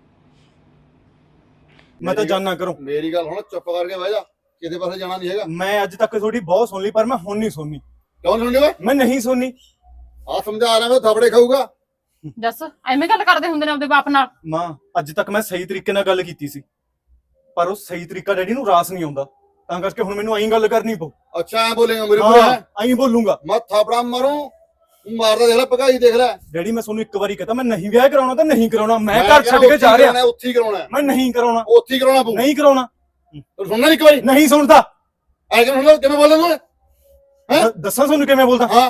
ਮੈਂ ਤਾਂ ਜਾਣਾ ਕਰੂੰ। ਮੇਰੀ ਗੱਲ ਹੁਣ ਚੁੱਪ ਕਰਕੇ ਬਹਿ ਜਾ, ਕਿਤੇ ਪਾਸੇ ਜਾਣਾ ਨਹੀਂ ਹੈਗਾ। ਮੈਂ ਅੱਜ ਤੱਕ ਤੁਹਾਡੀ ਬਹੁਤ ਸੁਣ ਲਈ, ਪਰ ਮੈਂ ਹੁਣ ਨਹੀਂ ਸੁਣਨੀ। ਕਿਉਂ ਸੁਣਦੇ ਓਏ? ਮੈਂ ਨਹੀਂ ਸੁਣਨੀ। ਆ ਸਮਝਾ ਰਿਹਾ ਮੈਂ, ਥਾਪੜੇ ਖਾਊਗਾ। ਦੱਸ ਐਵੇਂ ਗੱਲ ਕਰਦੇ ਹੁੰਦੇ ਨੇ ਆਪਦੇ ਬਾਪ ਨਾਲ? ਮਾਂ, ਅੱਜ ਤੱਕ ਮੈਂ ਸਹੀ ਤਰੀਕੇ ਨਾਲ ਗੱਲ ਕੀਤੀ ਸੀ, ਪਰ ਉਹ ਸਹੀ ਤਰੀਕਾ ਡੈਡੀ ਨੂੰ ਰਾਸ ਨਹੀਂ ਆਉਂਦਾ। ਤਾਂ ਕਰਕੇ ਹੁਣ ਮੈਨੂੰ ਐਂ ਗੱਲ ਕਰਨੀ ਪਊ। ਅੱਛਾ ਐ ਬੋਲੇਗਾ ਮੇਰੇ ਕੋਲ ਹਾਂ ਐਂ ਬੋਲੂੰਗਾ। ਮੈਂ ਥਾਪੜਾ ਮਾਰੂੰ ਮਾਰਦਾ ਦੇਖ ਲੈ ਭਗਾਈ ਦੇਖ ਲੈ। ਡੈਡੀ ਮੈਂ ਤੁਹਾਨੂੰ ਇੱਕ ਵਾਰੀ ਕਹਤਾ ਮੈਂ ਨਹੀਂ ਵਿਆਹ ਕਰਾਉਣਾ ਤਾਂ ਨਹੀਂ ਕਰਾਉਣਾ। ਮੈਂ ਘਰ ਕਹਿੰਦਾ ਛੱਡ ਕੇ ਜਾ ਰਿਹਾ। ਉੱਥੇ ਹੀ ਕਰਾਉਣਾ ਮੈਂ ਨਹੀਂ ਕਰਾਉਣਾ। ਉੱਥੇ ਹੀ ਕਰਾਉਣਾ ਪਊ। ਨਹੀਂ ਕਰਾਉਣਾ। ਤੂੰ ਸੁਣਨਾ ਨੀ ਇੱਕ ਵਾਰੀ? ਨਹੀਂ ਸੁਣਦਾ। ਐ ਕਿਵੇਂ ਸੁਣਦਾ? ਕਿਵੇਂ ਬੋਲਦਾ ਤੂੰ? ਹੈਂ? ਦੱਸਾਂ ਤੁਹਾਨੂੰ ਕਿਵੇਂ ਬੋਲਦਾ? ਹਾਂ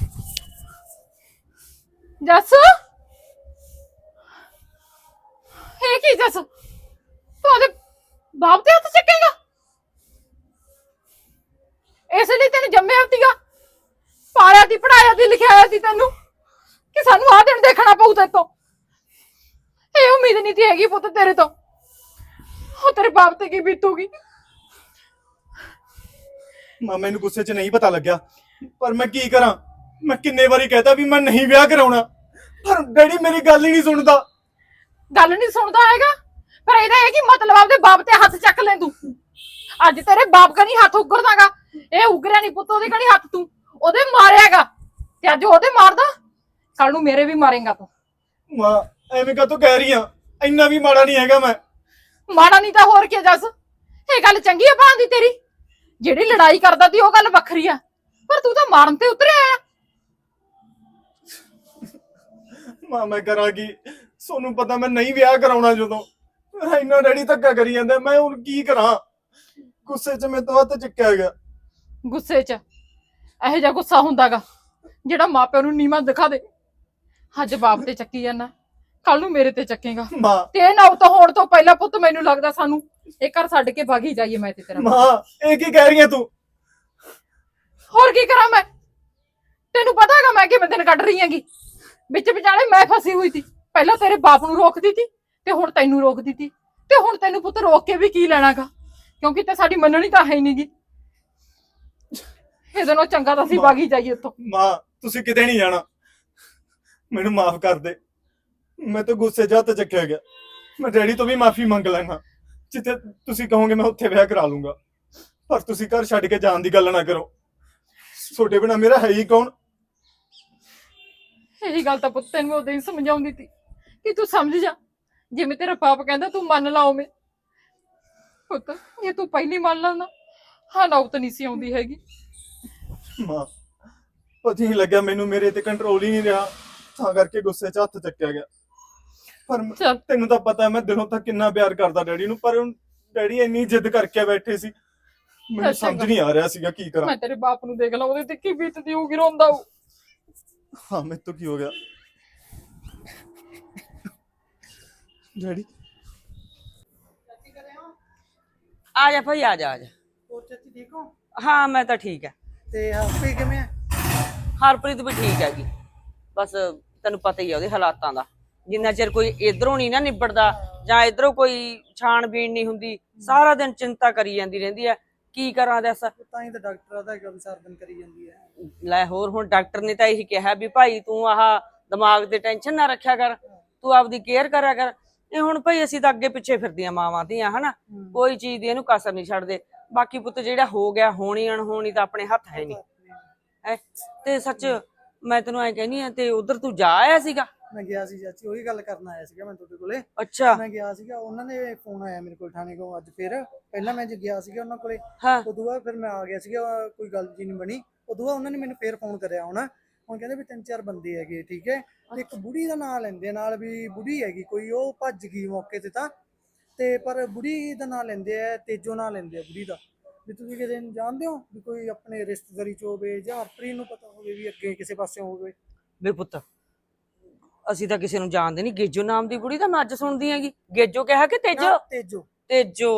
ਜੱਸ ਇਹ ਕੀ ਜੱਸ ਤੂੰ ਉਹਦੇ ਬਾਪ ਦੇ ਹੱਥ ਚੱਕੇਗਾ? ਇਸ ਲਈ ਤੈਨੂੰ ਜੰਮਿਆ ਸੀਗਾ, ਪਾਲਿਆ ਦੀ, ਪੜਾਇਆ ਦੀ, ਲਿਖਾਇਆ ਸੀ ਤੈਨੂੰ ਕਿ ਸਾਨੂੰ ਆਹ ਦਿਨ ਦੇਖਣਾ ਪਊ ਤੇਰੇ ਤੋਂ। ਇਹ ਉਮੀਦ ਨਹੀਂ ਸੀ ਹੈਗੀ ਪੁੱਤ ਤੇਰੇ ਤੋਂ। ਉਹ ਤੇਰੇ ਬਾਪ ਤੇ ਕੀ ਬੀਤੂਗੀ। ਮਾਂ ਮੈਨੂੰ ਗੁੱਸੇ 'ਚ ਨਹੀਂ ਪਤਾ ਲੱਗਿਆ, ਪਰ ਮੈਂ ਕੀ ਕਰਾਂ? ਮੈਂ ਕਿੰਨੇ ਵਾਰੀ ਕਹਿਤਾ ਵੀ ਮੈਂ ਨਹੀਂ ਵਿਆਹ ਕਰਾਉਣਾ, ਪਰ ਡੈਡੀ ਮੇਰੀ ਗੱਲ ਹੀ ਨਹੀਂ ਸੁਣਦਾ। ਗੱਲ ਨਹੀਂ ਸੁਣਦਾ ਹੈਗਾ, ਪਰ ਇਹਦਾ ਇਹ ਕੀ ਮਤਲਬ ਆਪਦੇ ਬਾਪ ਤੇ ਹੱਥ ਚੱਕ ਲੈ ਤੂੰ। ਅੱਜ ਤੇਰੇ ਬਾਪ ਕਣੀ ਹੱਥ ਉਗਰਦਾਗਾ, ਇਹ ਉਗਰਿਆ ਨਹੀਂ ਪੁੱਤ ਉਹਦੇ ਕਣੀ ਹੱਥ ਤੂੰ ਉਹਦੇ ਮਾਰਿਆਗਾ, ਤੇ ਅੱਜ ਉਹਦੇ ਮਾਰਦਾ ਕੱਲ ਨੂੰ ਮੇਰੇ ਵੀ ਮਾਰੇਗਾ ਤੂੰ। ਮਾਂ ਐਵੇਂ ਕਾਹਤੋਂ ਕਹਿ ਰਹੀ ਆ? ਇੰਨਾ ਵੀ ਮਾੜਾ ਨਹੀਂ ਹੈਗਾ ਮੈਂ। ਮਾੜਾ ਨਹੀਂ ਤਾਂ ਹੋਰ ਕੀ ਜੱਸ? ਇਹ ਗੱਲ ਚੰਗੀ ਆ ਭਾਂ ਦੀ ਤੇਰੀ, ਜਿਹੜੀ ਲੜਾਈ ਕਰਦਾ ਤੀ ਉਹ ਗੱਲ ਵੱਖਰੀ ਆ, ਪਰ ਤੂੰ ਤਾਂ ਮਾਰਨ ਤੇ ਉਤਰਿਆ ਆ। ਮਾਂ ਮੈਂ ਕਰਾਂ ਕੀ? ਤੁਹਾਨੂੰ ਪਤਾ ਮੈਂ ਨਹੀਂ ਵਿਆਹ ਕਰਾਉਣਾ। ਜਦੋਂ ਇੰਨਾ ਡੈਡੀ ਧੱਕਾ ਕਰੀ ਜਾਂਦਾ, ਮੈਂ ਹੁਣ ਕੀ ਕਰਾਂ? ਗੁੱਸੇ 'ਚ ਮੇਰੇ ਤੋਂ ਹੱਥ ਚੱਕਿਆ ਗਿਆ। ਗੁੱਸੇ 'ਚ ਇਹੋ ਜਿਹਾ ਗੁੱਸਾ ਹੁੰਦਾਗਾ ਜਿਹੜਾ ਮਾਪਿਆਂ ਨੂੰ ਨੀਵਾਂ ਦਿਖਾ ਦੇ। ਅੱਜ ਬਾਪ ਤੇ ਚੱਕੀ ਜਾਂਦਾ, ਕੱਲ ਨੂੰ ਮੇਰੇ ਤੇ ਚੱਕੇਗਾ। ਮਾਂ ਤੇ ਇਹ ਨੌਬਤ ਹੋਣ ਤੋਂ ਪਹਿਲਾਂ ਪੁੱਤ ਮੈਨੂੰ ਲੱਗਦਾ ਸਾਨੂੰ ਇਹ ਘਰ ਛੱਡ ਕੇ ਭਾਗੀ ਜਾਈਏ ਮੈਂ ਤੇ ਤੇਰਾ। ਮਾਂ ਇਹ ਕੀ ਕਹਿ ਰਹੀ ਹੈ ਤੂੰ? ਹੋਰ ਕੀ ਕਰਾਂ ਮੈਂ? ਤੈਨੂੰ ਪਤਾ ਹੈਗਾ ਮੈਂ ਕਿਵੇਂ ਦਿਨ ਕੱਢ ਰਹੀ ਹੈਗੀ। ਵਿੱਚ ਵਿਚਾਲੇ ਮੈਂ ਫਸੀ ਹੋਈ ਸੀ, ਪਹਿਲਾਂ ਤੇਰੇ ਬਾਪ ਨੂੰ ਰੋਕਦੀ ਸੀ ਤੇ ਹੁਣ ਤੈਨੂੰ ਰੋਕਦੀ ਸੀ, ਤੇ ਹੁਣ ਤੈਨੂੰ ਪੁੱਤ ਰੋਕ ਕੇ ਵੀ ਕੀ ਲੈਣਾਗਾ, ਕਿਉਂਕਿ ਤੇ ਸਾਡੀ ਮੰਨਣੀ ਤਾਂ ਹੈ ਹੀ ਨਹੀਂਗੀ। ਇਹਦੇ ਨਾਲੋਂ ਚੰਗਾ ਤਾਂ ਅਸੀਂ ਭਾਗੀ ਜਾਈਏ ਇੱਥੋਂ। ਮਾਂ ਤੁਸੀਂ ਕਿਤੇ ਨਹੀਂ ਜਾਣਾ, ਮੈਨੂੰ ਮਾਫ ਕਰ ਦੇ। ਮੈਂ ਤਾਂ ਗੁੱਸੇ 'ਚ ਹੱਥ ਚੱਕਿਆ ਗਿਆ। ਮੈਂ ਡੈਡੀ ਤੋਂ ਵੀ ਮਾਫੀ ਮੰਗ ਲੈਣਾ, ਜਿੱਥੇ ਤੁਸੀਂ ਕਹੋਗੇ ਮੈਂ ਉੱਥੇ ਵਿਆਹ ਕਰਾ ਲੂੰਗਾ, ਪਰ ਤੁਸੀਂ ਘਰ ਛੱਡ ਕੇ ਜਾਣ ਦੀ ਗੱਲ ਨਾ ਕਰੋ। ਤੁਹਾਡੇ ਬਿਨਾਂ ਮੇਰਾ ਹੈ ਹੀ ਕੌਣ? ਇਹੀ ਗੱਲ ਤਾਂ ਪੁੱਤ ਤੈਨੂੰ ਉਦੋਂ ਹੀ ਸਮਝਾਉਂਦੀ ਸੀ ਕਿ ਤੂੰ ਸਮਝ ਜਾ, ਜਿਵੇਂ ਤੇਰਾ ਬਾਪ ਕਹਿੰਦਾ ਤੂੰ ਮੰਨ ਲਾ ਉਵੇਂ। ਪੁੱਤ ਇਹ ਤੂੰ ਪਹਿਲੀ ਮੰਨ ਲਾ ਨਾ, ਹਾਂ ਨੌਬਤ ਨਹੀਂ ਸੀ ਆਉਂਦੀ ਹੈਗੀ। ਮਾਂ ਪਤਾ ਨਹੀਂ ਲੱਗਿਆ ਮੈਨੂੰ, ਮੇਰੇ ਤੇ ਕੰਟਰੋਲ ਹੀ ਨਹੀਂ ਰਿਹਾ, ਤਾਂ ਕਰਕੇ ਗੁੱਸੇ 'ਚ ਹੱਥ ਚੱਕਿਆ ਗਿਆ। ਪਰ ਚੱਲ ਤੈਨੂੰ ਤਾਂ ਪਤਾ ਮੈਂ ਦਿਲੋਂ ਤਾਂ ਕਿੰਨਾ ਪਿਆਰ ਕਰਦਾ ਡੈਡੀ ਨੂੰ, ਪਰ ਹੁਣ ਡੈਡੀ ਇੰਨੀ ਜਿੱਦ ਕਰਕੇ ਬੈਠੇ ਸੀ, ਮੈਨੂੰ ਸਮਝ ਨਹੀਂ ਆ ਰਿਹਾ ਸੀਗਾ ਕੀ ਕਰਾਂ। ਮੈਂ ਤੇਰੇ ਬਾਪ ਨੂੰ ਦੇਖ ਲਾ, ਉਹਦੇ ਤੇ ਕੀ ਬੀਤਦੀ ਹੋਊਗੀ, ਰੋਂਦਾ ਹੋਊ। ਹਾਂ ਮੇਰੇ ਤੋਂ ਕੀ ਹੋ ਗਿਆ ਡੈਡੀ? ਆ ਜਾ ਭਾਈ, ਆ ਜਾ ਆ ਜਾ। ਹੋਰ ਚਾਚੀ ਠੀਕ ਹੋ? ਹਾਂ ਮੈਂ ਤਾਂ ਠੀਕ ਹੈ। ਤੇ ਹਰਪ੍ਰੀਤ ਕਿਵੇਂ ਆ? ਹਰਪ੍ਰੀਤ ਵੀ ਠੀਕ ਹੈਗੀ, ਬਸ ਤੈਨੂੰ ਪਤਾ ਹੀ ਆ ਉਹਦੇ ਹਾਲਾਤਾਂ ਦਾ। ਜਿੰਨਾ ਚਿਰ ਕੋਈ ਇਧਰੋਂ ਨਹੀਂ ਨਾ ਨਿਬੜਦਾ ਜਾਂ ਇਧਰੋਂ ਕੋਈ ਛਾਣਬੀਣ ਨਹੀਂ ਹੁੰਦੀ, ਸਾਰਾ ਦਿਨ ਚਿੰਤਾ ਕਰੀ ਜਾਂਦੀ ਰਹਿੰਦੀ ਹੈ। ਕੀ ਕਰਾਂ ਦੱਸ? ਤਾਂ ਹੀ ਤਾਂ ਡਾਕਟਰ ਆਦਾ ਹੈਗਾ ਵੀ ਸਾਰਾ ਦਿਨ ਕਰੀ ਜਾਂਦੀ ਹੈ। ਲੈ ਹੋਰ, ਹੁਣ ਡਾਕਟਰ ਨੇ ਤਾਂ ਇਹੀ ਕਿਹਾ ਵੀ ਭਾਈ ਤੂੰ ਆਹ ਦਿਮਾਗ ਤੇ ਟੈਨਸ਼ਨ ਨਾ ਰੱਖਿਆ ਕਰ, ਤੂੰ ਆਪਦੀ ਕੇਅਰ ਕਰਿਆ ਕਰ। ਇਹ ਹੁਣ ਭਾਈ ਅਸੀਂ ਤਾਂ ਅੱਗੇ ਪਿੱਛੇ ਫਿਰਦੀਆਂ ਮਾਵਾਂ ਧੀਆਂ ਹਨਾ, ਕੋਈ ਚੀਜ਼ ਦੀ ਇਹਨੂੰ ਕਸਰ ਨਹੀਂ ਛੱਡਦੇ। ਬਾਕੀ ਪੁੱਤ ਜਿਹੜਾ ਹੋ ਗਿਆ, ਹੋਣੀ ਅਣਹੋਣੀ ਤਾਂ ਆਪਣੇ ਹੱਥ ਹੈ ਨਹੀਂ। ਤੇ ਸੱਚ ਮੈਂ ਤੈਨੂੰ ਐ ਕਹਿੰਦੀ ਆ, ਤੇ ਉਧਰ ਤੂੰ ਜਾ ਆਇਆ ਸੀਗਾ? ਮੈਂ ਗਿਆ ਸੀ ਚਾਚੀ, ਉਹੀ ਗੱਲ ਕਰਨ ਆਇਆ ਸੀਗਾ ਮੈਂ ਤੁਹਾਡੇ ਕੋਲੇ। ਅੱਛਾ ਮੈਂ ਗਿਆ ਸੀਗਾ, ਉਹਨਾਂ ਨੇ ਫੋਨ ਆਇਆ ਮੇਰੇ ਕੋਲ ਥਾਣੇ ਕੋਲ ਅੱਜ। ਫਿਰ ਪਹਿਲਾਂ ਮੈਂ ਗਿਆ ਸੀਗਾ ਉਹਨਾਂ ਕੋਲੇ, ਹਾਂ ਉਦੋਂ ਬਾਅਦ ਫਿਰ ਮੈਂ ਆ ਗਿਆ ਸੀਗਾ, ਕੋਈ ਗੱਲ ਜੀ ਨਹੀਂ ਬਣੀ। ਉਦੋਂ ਬਾਅਦ ਉਹਨਾਂ ਨੇ ਮੈਨੂੰ ਫੇਰ ਫੋਨ ਕਰਿਆ। ਹੁਣ ਕਹਿੰਦੇ ਵੀ 3-4 ਬੰਦੇ ਹੈਗੇ, ਠੀਕ ਹੈ। ਤੇ ਇੱਕ ਬੁੜੀ ਦਾ ਨਾਂ ਲੈਂਦੇ ਨਾਲ, ਵੀ ਬੁੜੀ ਹੈਗੀ ਕੋਈ, ਉਹ ਭੱਜ ਗਈ ਮੌਕੇ ਤੇ ਤਾਂ, ਤੇ ਪਰ ਬੁੜੀ ਦਾ ਨਾਂ ਲੈਂਦੇ ਆ, ਤੇਜੋ ਨਾਂ ਲੈਂਦੇ ਆ ਬੁੜੀ ਦਾ। ਵੀ ਤੁਸੀਂ ਕਿਸੇ ਨੂੰ ਜਾਣਦੇ ਹੋ ਵੀ ਕੋਈ ਆਪਣੇ ਰਿਸ਼ਤੇਦਾਰੀ ਚ ਹੋਵੇ, ਜਾਂ ਹਰਪ੍ਰੀਤ ਨੂੰ ਪਤਾ ਹੋਵੇ ਵੀ ਅੱਗੇ ਕਿਸੇ ਪਾਸੇ ਹੋਵੇ? ਵੇ ਪੁੱਤ ਅਸੀਂ ਤਾਂ ਕਿਸੇ ਨੂੰ ਜਾਣਦੇ ਨਹੀਂ। ਗੇਜੋ ਨਾਮ ਦੀ ਕੁੜੀ ਤਾਂ ਮੈਂ ਅੱਜ ਸੁਣਦੀ ਹੈਗੀ। ਗੇਜੋ ਕਿਹਾ ਕਿ ਤੇਜੋ? ਤੇਜੋ। ਤੇਜੋ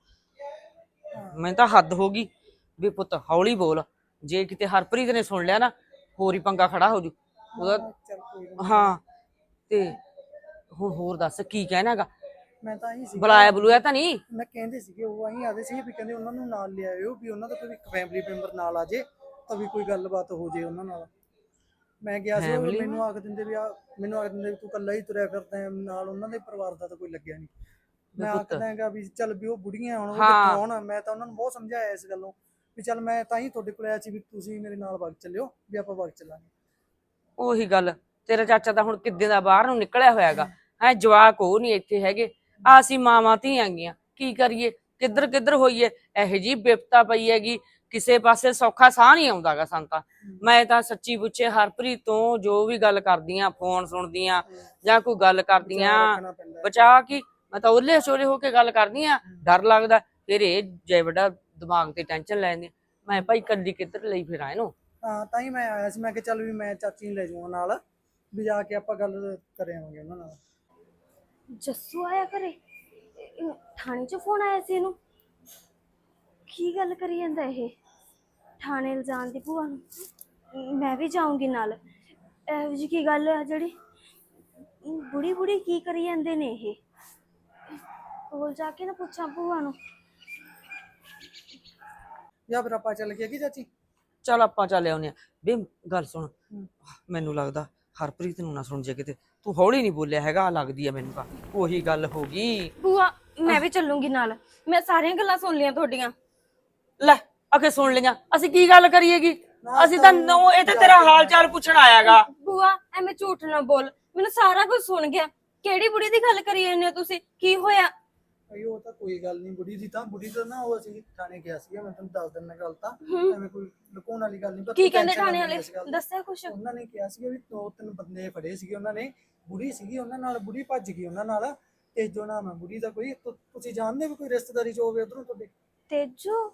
ਮੈਂ ਤਾਂ ਹੱਦ ਹੋ ਗਈ। ਵੀ ਪੁੱਤ ਹੌਲੀ ਬੋਲ, ਜੇ ਕਿਤੇ ਹਰਪ੍ਰੀਤ ਨੇ ਸੁਣ ਲਿਆ ਨਾ ਹੋਰ ਹੀ ਪੰਗਾ ਖੜਾ ਹੋ ਜੂ ਉਹਦਾ। ਚੱਲ ਕੋਈ ਨਾ। ਹਾਂ ਤੇ ਹੁਣ ਹੋਰ ਦੱਸ ਕੀ ਕਹਿਣਾਗਾ? ਮੈਂ ਤਾਂ ਆਹੀ ਸੀ, ਬੁਲਾਇਆ ਬੁਲਾਇਆ ਤਾਂ ਨਹੀਂ? ਮੈਂ ਕਹਿੰਦੇ ਸੀਗੇ ਉਹ ਆਹੀ ਆਦੇ ਸੀ ਵੀ ਕਹਿੰਦੇ ਉਹਨਾਂ ਨੂੰ ਨਾਲ ਲਿਆਇਓ, ਵੀ ਉਹਨਾਂ ਦਾ ਕੋਈ ਇੱਕ ਫੈਮਿਲੀ ਮੈਂਬਰ ਨਾਲ ਆ ਜੇ ਤਾਂ ਵੀ ਕੋਈ ਗੱਲਬਾਤ ਹੋ ਜੇ ਉਹਨਾਂ ਨਾਲ। ਮੈਂ ਗਿਆ ਸੀ, ਉਹ ਮੈਨੂੰ ਆਖ ਦਿੰਦੇ ਵੀ ਮੈਨੂੰ ਆਖ ਦਿੰਦੇ ਵੀ ਤੂੰ ਇਕੱਲਾ ਹੀ ਤੁਰਿਆ ਫਿਰਦਾ ਨਾਲ, ਉਹਨਾਂ ਦੇ ਪਰਿਵਾਰ ਦਾ ਤਾਂ ਕੋਈ ਲੱਗਿਆ ਨਹੀਂ। ਮੈਂ ਆਖਦਾ ਹੈਗਾ ਵੀ ਚੱਲ ਵੀ ਉਹ ਬੁੜੀਆਂ ਹੁਣ ਉਹ ਕਿੱਥੋਂ ਆਉਣ। ਮੈਂ ਤਾਂ ਉਹਨਾਂ ਨੂੰ ਬਹੁਤ ਸਮਝਾਇਆ ਇਸ ਗੱਲੋਂ ਵੀ ਚੱਲ ਮੈਂ ਤਾਂ ਹੀ ਤੁਹਾਡੇ ਕੋਲ ਆਇਆ ਸੀ ਵੀ ਤੁਸੀਂ ਮੇਰੇ ਨਾਲ ਵਗ ਚੱਲਿਓ, ਵੀ ਆਪਾਂ ਵਗ ਚੱਲਾਂਗੇ। ਉਹੀ ਗੱਲ, ਤੇਰਾ ਚਾਚਾ ਤਾਂ ਹੁਣ ਕਿੱਦਾਂ ਦਾ ਬਾਹਰ ਨੂੰ ਨਿਕਲਿਆ ਹੋਇਆਗਾ ਹੈ, ਜਵਾਕ ਉਹ ਨਹੀਂ ਇੱਥੇ ਹੈਗੇ। ਆ ਅਸੀਂ ਮਾਵਾਂ ਧੀਆਂ ਗੀਆਂ, ਕੀ ਕਰੀਏ? ਕਿੱਧਰ ਕਿੱਧਰ ਹੋਈਏ। ਇਹੋ ਜੀ ਬਿਪਤਾ ਪਈ ਹੈਗੀ, ਕਿਸੇ ਪਾਸੇ ਸੌਖਾ ਸਾਹ ਨਹੀਂ ਆਉਂਦਾਗਾ ਸਾਨੂੰ ਤਾਂ। ਮੈਂ ਤਾਂ ਸੱਚੀ ਪੁੱਛੇ ਹਰਪ੍ਰੀਤ ਤੋਂ ਜੋ ਵੀ ਗੱਲ ਕਰਦੀਆਂ, ਫੋਨ ਸੁਣਦੀਆਂ ਜਾਂ ਕੋਈ ਗੱਲ ਕਰਦੀਆਂ, ਬਚਾ ਕੀ ਮੈਂ ਤਾਂ ਉਹਲੇ ਛੋਲੇ ਹੋ ਕੇ ਗੱਲ ਕਰਦੀ ਆ। ਡਰ ਲੱਗਦਾ ਫਿਰ ਇਹ ਜੇ ਵੱਡਾ ਦਿਮਾਗ ਤੇ ਟੈਨਸ਼ਨ ਲੈਂਦੀ। ਮੈਂ ਭਾਈ ਕੱਲੀ ਕਿੱਧਰ ਲਈ ਫਿਰਾਂ ਇਹਨੂੰ। ਹਾਂ ਤਾਂ ਹੀ ਮੈਂ ਆਇਆ ਸੀ, ਮੈਂ ਕਿਹਾ ਚੱਲ ਵੀ ਮੈਂ ਚਾਚੀ ਨੂੰ ਲੈ ਜਾਵਾਂ ਨਾਲ, ਵੀ ਜਾ ਕੇ ਆਪਾਂ ਗੱਲ ਕਰ ਆਵਾਂਗੇ ਉਹਨਾਂ ਨਾਲ। ਜੱਸੂ ਆਇਆ ਘਰੇ? ਥਾਣੇ 'ਚ ਫੋਨ ਆਇਆ ਸੀ ਇਹਨੂੰ? ਕੀ ਗੱਲ ਕਰੀ ਜਾਂਦਾ ਇਹ? ਥਾਣੇ ਇਲਜ਼ਾਮ ਦੀ ਭੂਆ ਨੂੰ ਮੈਂ ਵੀ ਜਾਊਂਗੀ ਨਾਲ। ਇਹੋ ਜਿਹੀ ਕੀ ਗੱਲ ਹੈ ਜਿਹੜੀ ਬੁੜੀ ਬੁੜੀ ਕੀ ਕਰੀ ਜਾਂਦੇ ਨੇ ਇਹ? ਕੋਲ ਜਾ ਕੇ ਨਾ ਪੁੱਛਾਂ ਭੂਆ ਨੂੰ। ਜਾਂ ਫਿਰ ਆਪਾਂ ਚੱਲ ਗਏ ਕਿ ਚਾਚੀ? ਚੱਲ ਆਪਾਂ ਚੱਲ ਆਉਨੇ ਆ। ਬੇ ਗੱਲ ਸੁਣ, ਮੈਨੂੰ ਲੱਗਦਾ ਹਰਪ੍ਰੀਤ ਨੂੰ ਨਾ ਸੁਣ ਜੇ ਕਿਤੇ। ਤੂੰ ਹੌਲੀ ਨਹੀਂ ਬੋਲਿਆ ਹੈਗਾ, ਲੱਗਦੀ ਆ ਮੈਨੂੰ ਤਾਂ ਉਹੀ ਗੱਲ ਹੋ ਗਈ। ਭੂਆ ਮੈਂ ਵੀ ਚੱਲੂੰਗੀ ਨਾਲ, ਮੈਂ ਸਾਰੀਆਂ ਗੱਲਾਂ ਸੁਣ ਲਈਆਂ ਤੁਹਾਡੀਆਂ। ਲੈ ਅਖੇ ਸੁਣ ਲਈਆਂ, ਅਸੀਂ ਕੀ ਗੱਲ ਕਰੀਏਗੀ? ਅਸੀਂ ਤਾਂ ਇਹ ਤੇ ਤੇਰਾ ਹਾਲ ਚਾਲ ਪੁੱਛਣ ਆਇਆਗਾ। ਭੂਆ ਐਵੇਂ ਝੂਠ ਨਾ ਬੋਲ, ਮੈਨੂੰ ਸਾਰਾ ਕੁਝ ਸੁਣ ਗਿਆ। ਕਿਹੜੀ ਬੁੜੀ ਦੀ ਗੱਲ ਕਰੀ ਜਾਂਦੇ ਹੋ ਤੁਸੀਂ? ਕੀ ਹੋਇਆ? ਉਹ ਤਾਂ ਕੋਈ ਗੱਲ ਨਹੀਂ, ਬੁੜੀ ਤਾਂ ਨਾ ਉਹ ਅਸੀਂ ਥਾਣੇ ਗਿਆ ਸੀਗਾ, ਮੈਂ ਤੁਹਾਨੂੰ ਦੱਸ ਦਿੰਦਾ ਗੱਲ ਤਾਂ। ਐਵੇਂ ਕੋਈ ਲੁਕਾਉਣ ਵਾਲੀ ਗੱਲ ਨਹੀਂ। ਕੀ ਕਹਿੰਦੇ ਥਾਣੇ ਵਾਲੇ? ਦੱਸਿਆ ਕੁਛ? ਉਹਨਾਂ ਨੇ ਕਿਹਾ ਸੀਗਾ ਵੀ 2-3 ਬੰਦੇ ਫੜੇ ਸੀਗੇ ਉਹਨਾਂ ਨੇ, ਬੁੜੀ ਸੀਗੀ ਉਹਨਾਂ ਨਾਲ, ਬੁੜੀ ਭੱਜ ਗਈ ਉਹਨਾਂ ਨਾਲ। ਤੇਜੋ ਨਾਮ ਹੈ ਬੁੜੀ ਦਾ। ਕੋਈ ਤੁਸੀਂ ਜਾਣਦੇ ਵੀ ਕੋਈ ਰਿਸ਼ਤੇਦਾਰੀ ਚ ਹੋਵੇ ਉਧਰੋਂ ਤੁਹਾਡੇ? ਤੇਜੋ?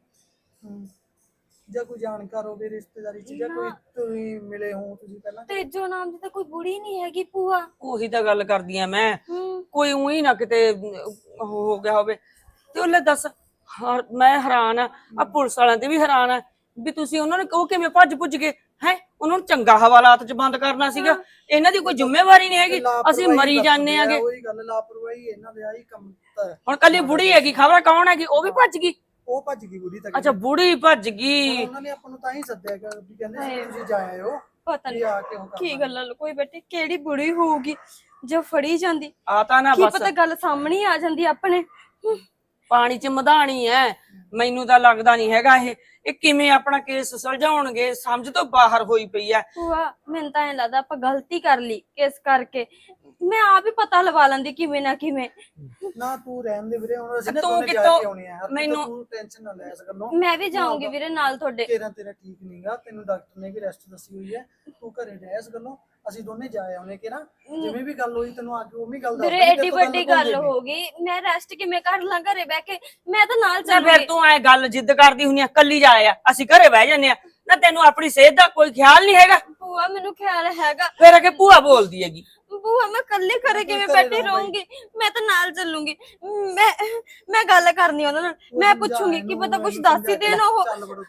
ਜਾਂ ਕੋਈ ਜਾਣਕਾਰ ਹੋਵੇ ਰਿਸ਼ਤੇਦਾਰੀ ਚ, ਜਾਂ ਕੋਈ ਤੁਸੀਂ ਮਿਲੇ ਹੋ ਤੁਸੀਂ ਪਹਿਲਾਂ? ਤੇਜੋ ਨਾਮ ਦੀ ਤਾਂ ਕੋਈ ਬੁੜੀ ਨਹੀਂ ਹੈਗੀ ਭੂਆ। ਉਹੀ ਤਾਂ ਗੱਲ ਕਰਦੀ ਆ ਮੈਂ, ਕੋਈ ਉਹੀ ਨਾ ਕਿਤੇ ਹੋ ਗਿਆ ਹੋਵੇ। ਤੇ ਉਹ ਲੈ ਦੱਸ, ਮੈਂ ਹੈਰਾਨ ਆ ਪੁਲਿਸ ਵਾਲਿਆਂ ਤੇ ਵੀ ਹੈਰਾਨ ਆ ਵੀ ਤੁਸੀਂ ਉਹਨਾਂ ਨੂੰ ਉਹ ਕਿਵੇਂ ਭੱਜ ਭੁੱਜ ਗਏ ਹੈ? ਉਹਨਾਂ ਨੂੰ ਚੰਗਾ ਹਵਾਲਾਤ ਚ ਬੰਦ ਕਰਨਾ ਸੀਗਾ। ਇਹਨਾਂ ਦੀ ਕੋਈ ਜ਼ਿੰਮੇਵਾਰੀ ਨਹੀਂ ਹੈਗੀ, ਅਸੀਂ ਮਰੀ ਜਾਂਦੇ ਆਗੇ। ਉਹੀ ਗੱਲ, ਲਾਪਰਵਾਹੀ ਇਹਨਾਂ ਦੇ ਆਹੀ ਕੰਮ ਤਾਂ। ਹੁਣ ਕੱਲੀ ਬੁੜੀ ਹੈਗੀ, ਖਬਰ ਕੌਣ ਹੈਗੀ? ਉਹ ਵੀ ਭੱਜ ਗਈ? ਉਹ ਭੱਜ ਗਈ ਬੁੜੀ ਤਾਂ। ਅੱਛਾ ਬੁੜੀ ਭੱਜ ਗਈ। ਉਹਨਾਂ ਨੇ ਆਪਾਂ ਨੂੰ ਤਾਂ ਹੀ ਸੱਦਿਆ ਕਿ ਵੀ ਕਹਿੰਦੇ ਸੀ ਤੁਸੀਂ ਜਾ ਆਇਓ। ਪਤਾ ਵੀ ਆ ਕੇ ਉਹ ਨਹੀਂ ਕਰ ਕੀ ਗੱਲਾਂ ਲੁਕੋਈ ਬੈਠੇ। ਕਿਹੜੀ ਬੁੜੀ ਹੋਊਗੀ ਜੋ ਫੜੀ ਜਾਂਦੀ? ਆ ਤਾਂ ਨਾ ਕੀ ਬਸ ਪਤਾ ਗੱਲ ਸਾਹਮਣੇ ਆ ਜਾਂਦੀ ਆਪਣੇ। ਪਾਣੀ ਚ ਮਧਾਣੀ ਐ। ਮੈਨੂੰ ਤਾਂ ਲੱਗਦਾ ਨਹੀਂ ਹੈਗਾ ਇਹ ਕਿਵੇਂ ਆਪਣਾ ਕੇਸ ਸੁਲਝਾਉਣਗੇ, ਸਮਝ ਤੋਂ ਬਾਹਰ ਹੋਈ ਪਈ ਐ। ਭੂਆ ਮੈਨੂੰ ਤਾਂ ਐਂ ਲੱਗਦਾ ਆਪਾਂ ਗਲਤੀ ਕਰ ਲਈ ਇਸ ਕਰਕੇ। ਮੈਂ ਆਪ ਹੀ ਪਤਾ ਲਵਾ ਲੈਂਦੀ ਕਿਵੇਂ ਨਾ ਕਿਵੇਂ। ਨਾ ਤੂੰ ਰਹਿਣ ਦੇ ਵੀਰੇ, ਹੁਣ ਅਸੀਂ ਨਾ ਤੂੰ ਦੋਨੇ ਜਾ ਕਿੱਥੋਂ- ਕੇ ਆਉਣੇ ਆ। ਮੈਨੂੰ- ਤੂੰ ਟੈਨਸ਼ਨ ਨਾ ਲੈ ਇਸ ਗੱਲੋਂ। ਮੈਂ ਵੀ ਜਾਊਂਗੀ ਵੀਰੇ ਨਾਲ ਤੁਹਾਡੇ। ਤੇਰਾ ਠੀਕ ਨਹੀਂਗਾ, ਤੈਨੂੰ ਡਾਕਟਰ ਨੇ ਵੀ ਰੈਸਟ ਦੱਸੀ ਹੋਈ ਹੈ। ਤੂੰ ਘਰੇ ਰਹਿ ਇਸ ਗੱਲੋਂ। ਅਸੀਂ ਦੋਨੇ ਜਾ ਆਉਣੇ ਕਿ ਨਾ, ਜਿਵੇਂ ਵੀ ਗੱਲ ਹੋਈ ਤੈਨੂੰ ਆ ਕੇ ਉਵੇਂ ਗੱਲ ਦੱਸ ਵੀਰੇ ਐਡੀ ਵੱਡੀ ਗੱਲ ਹੋ ਗਈ, ਮੈਂ ਰੈਸਟ ਕਿਵੇਂ ਕਰ ਲਾਂ ਘਰੇ ਬਹਿ ਕੇ? ਮੈਂ ਤਾਂ ਨਾਲ ਫਿਰ ਚੱਲੂਗੀ। ਤੂੰ ਐ ਗੱਲ ਜਿੱਦ ਕਰਦੀ ਹੁੰਨੀ ਆ, ਕੱਲੀ ਜਾ ਆ, ਅਸੀਂ ਘਰੇ ਬਹਿ ਜੰਨੇ ਆ ਨਾ। ਤੈਨੂੰ ਆਪਣੀ ਸਿਹਤ ਦਾ ਕੋਈ ਖਿਆਲ ਨਹੀਂ ਹੈਗਾ? ਭੂਆ ਮੈਨੂੰ ਖਿਆਲ ਹੈਗਾ। ਫਿਰ ਅਗੇ ਭੂਆ ਬੋਲਦੀ ਹੈਗੀ। ਭੂਆ ਮੈਂ ਇਕੱਲੇ ਘਰੇ ਕਿਵੇਂ ਬੈਠੀ ਰਹੂੰਗੀ? ਮੈਂ ਤਾਂ ਨਾਲ ਚੱਲੂੰਗੀ। ਮੈਂ ਗੱਲ ਕਰਨੀ ਉਹਨਾਂ ਨਾਲ, ਮੈਂ ਪੁੱਛੂੰਗੀ ਕਿ ਪਤਾ ਕੁਝ ਦੱਸ ਹੀ ਦੇਣ। ਉਹ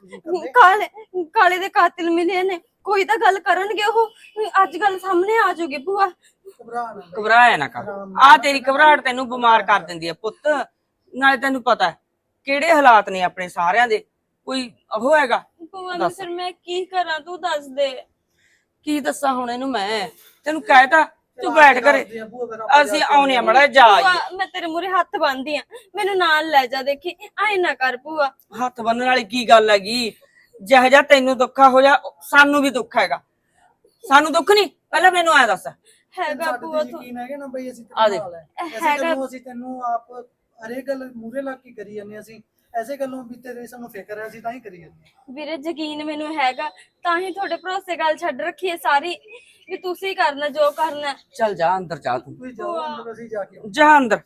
ਕਾਲੇ ਦੇ ਕਾਤਿਲ ਮਿਲੇ ਨੇ, ਕੋਈ ਤਾਂ ਗੱਲ ਕਰਨਗੇ ਉਹ। ਅੱਜ ਗੱਲ ਸਾਹਮਣੇ ਆ ਜਾਊਗੀ ਭੂਆ। ਘਬਰਾਇਆ ਨਾ ਕਰ, ਆ ਤੇਰੀ ਘਬਰਾਹਟ ਤੈਨੂੰ ਬਿਮਾਰ ਕਰ ਦਿੰਦੀ ਆ ਪੁੱਤ। ਨਾਲੇ ਤੈਨੂੰ ਪਤਾ ਕਿਹੜੇ ਹਾਲਾਤ ਨੇ ਆਪਣੇ ਸਾਰਿਆਂ ਦੇ, ਕੋਈ ਉਹ ਹੈਗਾ? ਭੂਆ ਨੂੰ ਫਿਰ ਮੈਂ ਕੀ ਕਰਾਂ? ਤੂੰ ਦੱਸ ਦੇ। ਕੀ ਦੱਸਾਂ ਹੁਣ ਇਹਨੂੰ ਮੈਂ? ਤੈਨੂੰ ਕਹਿਤਾ ਤੂੰ ਬੈਠ ਘਰੇ, ਅਸੀਂ ਆਉਣੇ ਆ ਮੜਾ ਜਾ। ਭੂਆ ਮੈਂ ਤੇਰੇ ਮੂਹਰੇ ਹੱਥ ਬੰਨਦੀ ਆ, ਮੈਨੂੰ ਨਾਲ ਲੈ ਜਾ। ਦੇਖੀ ਆਏ ਨਾ ਕਰ ਭੂਆ। ਹੱਥ ਬੰਨਣ ਵਾਲੀ ਕੀ ਗੱਲ ਹੈਗੀ? ਜਿਹੋ ਜਿਹਾ ਤੈਨੂੰ ਦੁੱਖਾ ਹੋ ਜਾ, ਸਾਨੂੰ ਵੀ ਦੁੱਖ ਹੈਗਾ। ਸਾਨੂੰ ਦੁੱਖ ਨਹੀਂ? ਪਹਿਲਾਂ ਮੈਨੂੰ ਐ ਦੱਸ। ਹੈਗਾ ਭੂਆ ਤੂੰ ਯਕੀਨ ਹੈਗਾ ਨਾ ਬਈ ਅਸੀਂ ਆ ਦੇ। ਅਸੀਂ ਤੈਨੂੰ ਆਪ ਹਰੇਕ ਗੱਲ ਮੂਰੇ ਲੱਗ ਕੇ ਕਰੀ ਜਾਂਦੇ। ਅਸੀਂ ਐਸੇ ਗੱਲੋਂ ਵੀ ਤੇਰੇ ਸਾਨੂੰ ਫਿਕਰ ਹੈ, ਅਸੀਂ ਤਾਂ ਹੀ ਕਰੀ ਜਾਂਦੇ। ਵੀਰੇ ਯਕੀਨ ਮੈਨੂੰ ਹੈਗਾ, ਤਾਂ ਹੀ ਤੁਹਾਡੇ ਭਰੋਸੇ ਗੱਲ ਛੱਡ ਰੱਖੀ ਹੈ ਸਾਰੀ, ਵੀ ਤੁਸੀਂ ਕਰਨਾ ਜੋ ਕਰਨਾ। ਚੱਲ ਜਾ ਅੰਦਰ ਜਾ, ਤੂੰ ਤੁਸੀਂ ਜਾਓ ਅੰਦਰ, ਅਸੀਂ ਜਾ ਕੇ ਜਾ ਅੰਦਰ।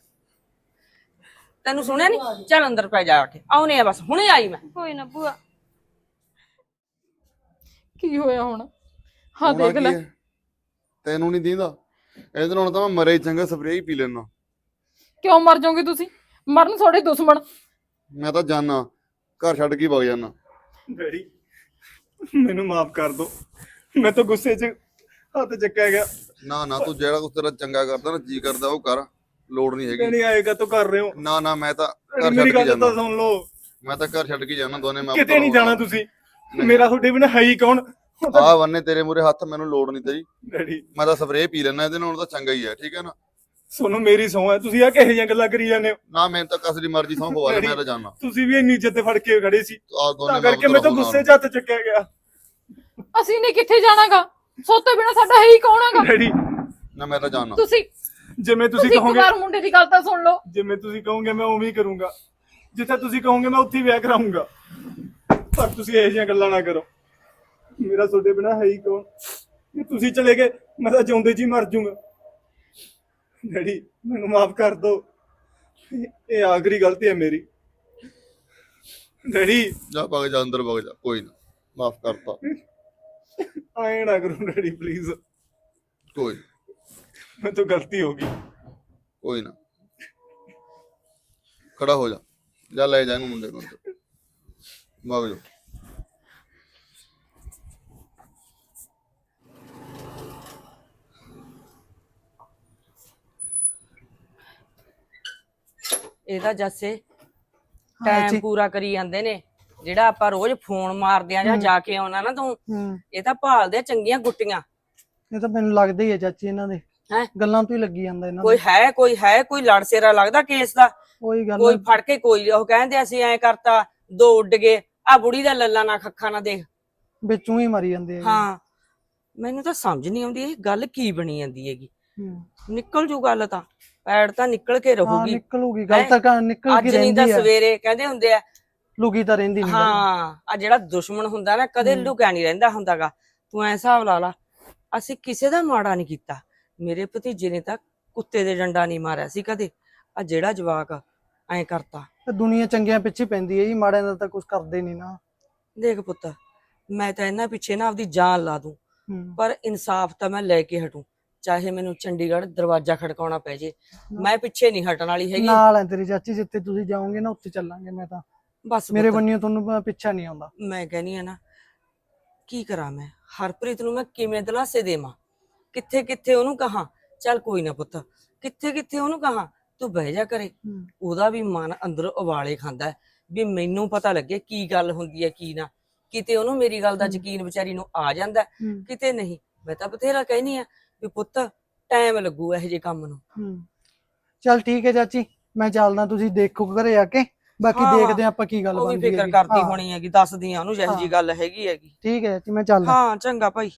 ਤੈਨੂੰ ਸੁਣਿਆ ਨਹੀਂ? ਚੱਲ ਅੰਦਰ ਪੈ ਜਾ ਕੇ, ਆਉਣੇ ਆ ਬਸ, ਹੁਣੇ ਆਈ ਮੈਂ। ਕੋਈ ਨਾ ਭੂਆ। ਕੀ ਹੋਇਆ ਹੁਣ? ਹਾਂ ਦੇਖ ਲੈ। ਤੈਨੂੰ ਨਹੀਂ ਦੀਂਦਾ? ਇਹਦੇ ਨਾਲ ਤਾਂ ਮੈਂ ਮਰੇ ਚੰਗਾ ਸਪਰੇਅ ਹੀ ਪੀ ਲੈਣਾ। ਕਿਉਂ ਮਰ ਜਾਓਗੇ ਤੁਸੀਂ? ਮਰਨ ਤੁਹਾਡੇ ਦੁਸ਼ਮਣ। ਮੈਂ ਤਾਂ ਜਾਣਾ, ਘਰ ਛੱਡ ਕੇ ਵਗ ਜਾਣਾ। ਡੈਡੀ ਮੈਨੂੰ ਮਾਫ ਕਰ ਦਿਓ, ਮੈਂ ਤਾਂ ਗੁੱਸੇ 'ਚ ਹੱਥ ਚੱਕਿਆ ਗਿਆ। ਨਾ ਤੂੰ ਜਿਹੜਾ ਕੁਛ ਤੇਰਾ ਚੰਗਾ ਕਰਦਾ ਨਾ, ਜੀ ਕਰਦਾ ਉਹ ਕਰ, ਲੋੜ ਨਹੀਂ ਹੈਗੀ। ਨਹੀਂ ਆਏਗਾ ਤੂੰ ਕਰ ਰਹੇ ਹੋ। ਨਾ ਮੈਂ ਤਾਂ ਘਰ ਮੇਰੀ ਛੱਡ ਕੇ ਗੱਲ ਤਾਂ ਜਾਣਾ। ਸੁਣ ਲਓ। ਮੈਂ ਤਾਂ ਘਰ ਛੱਡ ਕੇ ਜਾਣਾ, ਦੋਨੇ ਮੈਂ ਕਿਤੇ ਨਹੀਂ ਜਾਣਾ ਤੁਸੀਂ। ਮੇਰਾ ਤੁਹਾਡੇ ਬਿਨਾਂ ਹੈ ਹੀ ਕੌਣ? ਆ ਬੰਨੇ ਤੇਰੇ ਮੂਰੇ ਹੱਥ, ਮੈਨੂੰ ਲੋੜ ਨਹੀਂ ਤੇਰੀ। ਡੈਡੀ ਮੈਂ ਤਾਂ ਸਪਰੇਅ ਪੀ ਲੈਣਾ, ਇਹਦੇ ਨਾਲ ਤਾਂ ਚੰਗਾ ਹੀ ਹੈ, ਠੀਕ ਹੈ ਨਾ? ਸੋਨੂੰ ਮੇਰੀ ਸਹੁੰ ਹੈ, ਤੁਸੀਂ ਆ ਕਿਹੋ ਜਿਹੀਆਂ ਗੱਲਾਂ ਕਰੀ ਜਾਂਦੇ ਹੋ? ਨਾ ਮੈਨੂੰ ਤਾਂ ਕਸ ਦੀ ਮਰਜ਼ੀ ਸੌਂ ਪਵਾ ਲੈ, ਮੈਂ ਤਾਂ ਜਾਣਾ। ਤੁਸੀਂ ਵੀ ਇੰਨੀ ਇੱਜ਼ਤ ਤੇ ਫੜ ਕੇ ਖੜੇ ਸੀ, ਆ ਦੋਨੇ ਤਾਂ ਕਰਕੇ ਮੈਂ ਤਾਂ ਗੁੱਸੇ 'ਚ ਹੱਥ ਚੱਕਿਆ ਗਿਆ। ਅਸੀਂ ਨੇ ਕਿੱਥੇ ਜਾਣਾਗਾ? ਸੋਤੇ ਬਿਨਾ ਸਾਡਾ ਹੈ ਹੀ ਕੌਣ ਹੈਗਾ? ਡੈਡੀ ਨਾ ਮੈਂ ਤਾਂ ਜਾਣਾ। ਤੁਸੀਂ ਜਿਵੇਂ ਤੁਸੀਂ ਇੱਕ ਕਹੋਗੇ, ਵਾਰ ਮੁੰਡੇ ਦੀ ਗੱਲ ਤਾਂ ਸੁਣ ਲਓ। ਜਿਵੇਂ ਤੁਸੀਂ ਕਹੋਗੇ ਮੈਂ ਉਵੇਂ ਹੀ ਕਰੂੰਗਾ। ਜਿੱਥੇ ਤੁਸੀਂ ਕਹੋਗੇ ਮੈਂ ਉੱਥੇ ਹੀ ਵਿਆਹ ਕਰਾਉਂਗਾ। ਪਰ ਤੁਸੀਂ ਇਹੋ ਜਿਹੀਆਂ ਗੱਲਾਂ ਨਾ ਕਰੋ। ਮੇਰਾ ਤੁਹਾਡੇ ਬਿਨਾ ਹੈ ਹੀ ਕੌਣ? ਜੇ ਤੁਸੀਂ ਚਲੇ ਗਏ ਮੈਂ ਤਾਂ ਜਿਉਂਦੇ ਜੀ ਮਰ ਜਾਊਂਗਾ। ਡੈਡੀ ਮੈਨੂੰ ਮਾਫ ਕਰ ਦਿਓ, ਇਹ ਆਖਰੀ ਗਲਤੀ ਹੈ ਮੇਰੀ। ਡੈਡੀ ਜਾ ਵਗ ਜਾ ਅੰਦਰ ਵਗ ਜਾ, ਕੋਈ ਨਾ, ਮਾਫ ਕਰਤਾ। ਆਏ ਨਾ ਕਰੋ ਡੈਡੀ ਪਲੀਜ਼, ਕੋਈ ਮੇਰੇ ਤੋਂ ਗਲਤੀ ਹੋ ਗਈ। ਕੋਈ ਨਾ, ਖੜਾ ਹੋ ਜਾ, ਜਾ ਲੈ ਜਾ ਇਹਨੂੰ ਮੁੰਡੇ ਨੂੰ ਅੰਦਰ, ਵਗ ਜਾ। ਇਹਦਾ ਜੱਸੇ ਟਾਈਮ ਪੂਰਾ ਕਰੀ ਜਾਂਦੇ ਨੇ। ਜਿਹੜਾ ਆਪਾਂ ਰੋਜ਼ ਫੋਨ ਮਾਰਦੇ ਆ ਜਾਂ ਜਾ ਕੇ ਆਉਣਾ ਨਾ ਤੂੰ, ਇਹ ਤਾਂ ਭਾਲਦੇ ਆ ਚੰਗੀਆਂ ਗੁੱਟੀਆਂ। ਇਹ ਤਾਂ ਮੈਨੂੰ ਲੱਗਦਾ ਹੀ ਹੈ ਚਾਚੀ, ਇਹਨਾਂ ਦੇ ਹੈਂ? ਗੱਲਾਂ ਤੋਂ ਹੀ ਲੱਗੀ ਜਾਂਦਾ ਇਹਨਾਂ ਕੋਈ ਲੜ ਸੇਰਾ ਲੱਗਦਾ ਕੇਸ ਦਾ। ਕੋਈ ਗੱਲ ਕੋਈ ਫੜ ਕੇ ਕੋਈ ਉਹ ਕਹਿੰਦੇ ਅਸੀਂ ਐਂ ਕਰਤਾ, ਦੋ ਉੱਡ ਗਏ। ਆ ਬੁੜੀ ਦਾ ਲੱਲਾ ਨਾ ਖੱਖਾ ਨਾ ਦੇਖ, ਵਿੱਚੋਂ ਹੀ ਮਰੀ ਜਾਂਦੇ ਆ। ਹਾਂ ਮੈਨੂੰ ਤਾਂ ਸਮਝ ਨਹੀਂ ਆਉਂਦੀ ਇਹ ਗੱਲ ਕੀ ਬਣੀ ਜਾਂਦੀ ਹੈਗੀ। ਨਿਕਲ ਜੂ ਗੱਲ ਤਾਂ, ਪੈੜ ਤਾਂ ਨਿਕਲ ਕੇ ਹਾਂ ਰਹੂਗੀ। ਨਿਕਲੂਗੀ ਗੱਲ ਤਾਂ, ਨਿਕਲ ਅੱਜ ਕੇ ਨਹੀਂ ਤਾਂ ਰਹਿੰਦੀ ਆ। ਸਵੇਰੇ ਕਹਿੰਦੇ ਹੁੰਦੇ ਆ ਲੁਕੀ ਤਾਂ ਰਹਿੰਦੀ ਨਹੀਂ। ਹਾਂ ਆ ਜਿਹੜਾ ਦੁਸ਼ਮਣ ਹੁੰਦਾ ਨਾ ਕਦੇ ਲੁਕਿਆ ਨਹੀਂ ਰਹਿੰਦਾ ਹੁੰਦਾਗਾ। ਤੂੰ ਐ ਹਿਸਾਬ ਲਾ ਲਾ, ਅਸੀਂ ਕਿਸੇ ਦਾ ਮਾੜਾ ਨਹੀਂ ਕੀਤਾ। ਮੇਰੇ ਭਤੀਜੇ ਨੇ ਤਾਂ ਕੁੱਤੇ ਦੇ ਡੰਡਾ ਨਹੀਂ ਮਾਰਿਆ ਸੀ ਕਦੇ। ਆ ਜਿਹੜਾ ਜਵਾਕ ਐ ਕਰਤਾ। ਦੁਨੀਆ ਚੰਗਿਆਂ ਪਿੱਛੇ ਪੈਂਦੀ ਹੈ ਜੀ, ਮਾੜਿਆਂ ਦਾ ਤਾਂ ਕੁਝ ਕਰਦੇ ਨਹੀਂ ਨਾ। ਦੇਖ ਪੁੱਤ, ਮੈਂ ਤਾਂ ਇਹਨਾਂ ਪਿੱਛੇ ਨਾ ਆਪਦੀ ਜਾਨ ਲਾ ਦੂੰ, ਪਰ ਇਨਸਾਫ ਤਾਂ ਮੈਂ ਲੈ ਕੇ ਹਟੂ, ਚਾਹੇ ਮੈਨੂੰ ਚੰਡੀਗੜ੍ਹ ਦਰਵਾਜ਼ਾ ਖੜਕਾਉਣਾ ਪੈ ਜੇ। ਮੈਂ ਪਿੱਛੇ ਨਹੀਂ ਹਟਣ ਵਾਲੀ ਹੈਗੀ। ਨਾਲ ਹੈ ਤੇਰੀ ਚਾਚੀ, ਜਿੱਥੇ ਤੁਸੀਂ ਜਾਓਗੇ ਨਾ ਉੱਥੇ ਚੱਲਾਂਗੇ। ਮੈਂ ਤਾਂ ਬਸ ਮੇਰੇ ਪੁੱਤ, ਬੰਨਿਓ ਤੁਹਾਨੂੰ ਪਿੱਛਾ ਨਹੀਂ ਆਉਂਦਾ। ਮੈਂ ਕਹਿੰਦੀ ਆ ਨਾ, ਕੀ ਕਰਾਂ ਮੈਂ? ਹਰਪ੍ਰੀਤ ਨੂੰ ਮੈਂ ਕਿਵੇਂ ਦਿਲਾਸੇ ਦੇਵਾਂ? ਕਿੱਥੇ ਕਿੱਥੇ ਉਹਨੂੰ ਕਹਾਂ ਚੱਲ ਕੋਈ ਨਾ ਪੁੱਤ, ਕਿੱਥੇ ਕਿੱਥੇ ਉਹਨੂੰ ਕਹਾਂ ਤੂੰ ਬਹਿ ਜਾ ਕਰੇ। ਉਹਦਾ ਵੀ ਮਨ ਅੰਦਰੋਂ ਉਬਾਲੇ ਖਾਂਦਾ ਹੈ ਵੀ ਮੈਨੂੰ ਪਤਾ ਲੱਗੇ ਕੀ ਗੱਲ ਹੁੰਦੀ ਹੈ ਕੀ ਨਾ। ਕਿਤੇ ਉਹਨੂੰ ਮੇਰੀ ਗੱਲ ਦਾ ਯਕੀਨ ਵਿਚਾਰੀ ਨੂੰ ਆ ਜਾਂਦਾ, ਕਿਤੇ ਨਹੀਂ। ਮੈਂ ਤਾਂ ਬਥੇਰਾ ਕਹਿਨੀ ਆ ਵੀ ਪੁੱਤ ਟਾਈਮ ਲੱਗੂ ਇਹੋ ਜਿਹੇ ਕੰਮ ਨੂੰ। ਚੱਲ ਠੀਕ ਹੈ ਚਾਚੀ, ਮੈਂ ਚੱਲਦਾ, ਤੁਸੀਂ ਦੇਖੋ ਘਰੇ ਆ ਕੇ, ਬਾਕੀ ਦੇਖਦੇ ਆਪਾਂ ਕੀ ਗੱਲ ਉਹ ਵੀ ਬਣਦੀ ਫਿਕਰ ਹੈ। ਕਰਦੀ ਹੋਣੀ ਹੈਗੀ, ਦੱਸਦੀ ਆ ਉਹਨੂੰ ਜਿਹੋ ਜਿਹੀ ਗੱਲ ਹੈਗੀ। ਠੀਕ ਹੈ ਚਾਚੀ, ਮੈਂ ਚੱਲਦਾ। ਹਾਂ ਚੰਗਾ ਭਾਈ।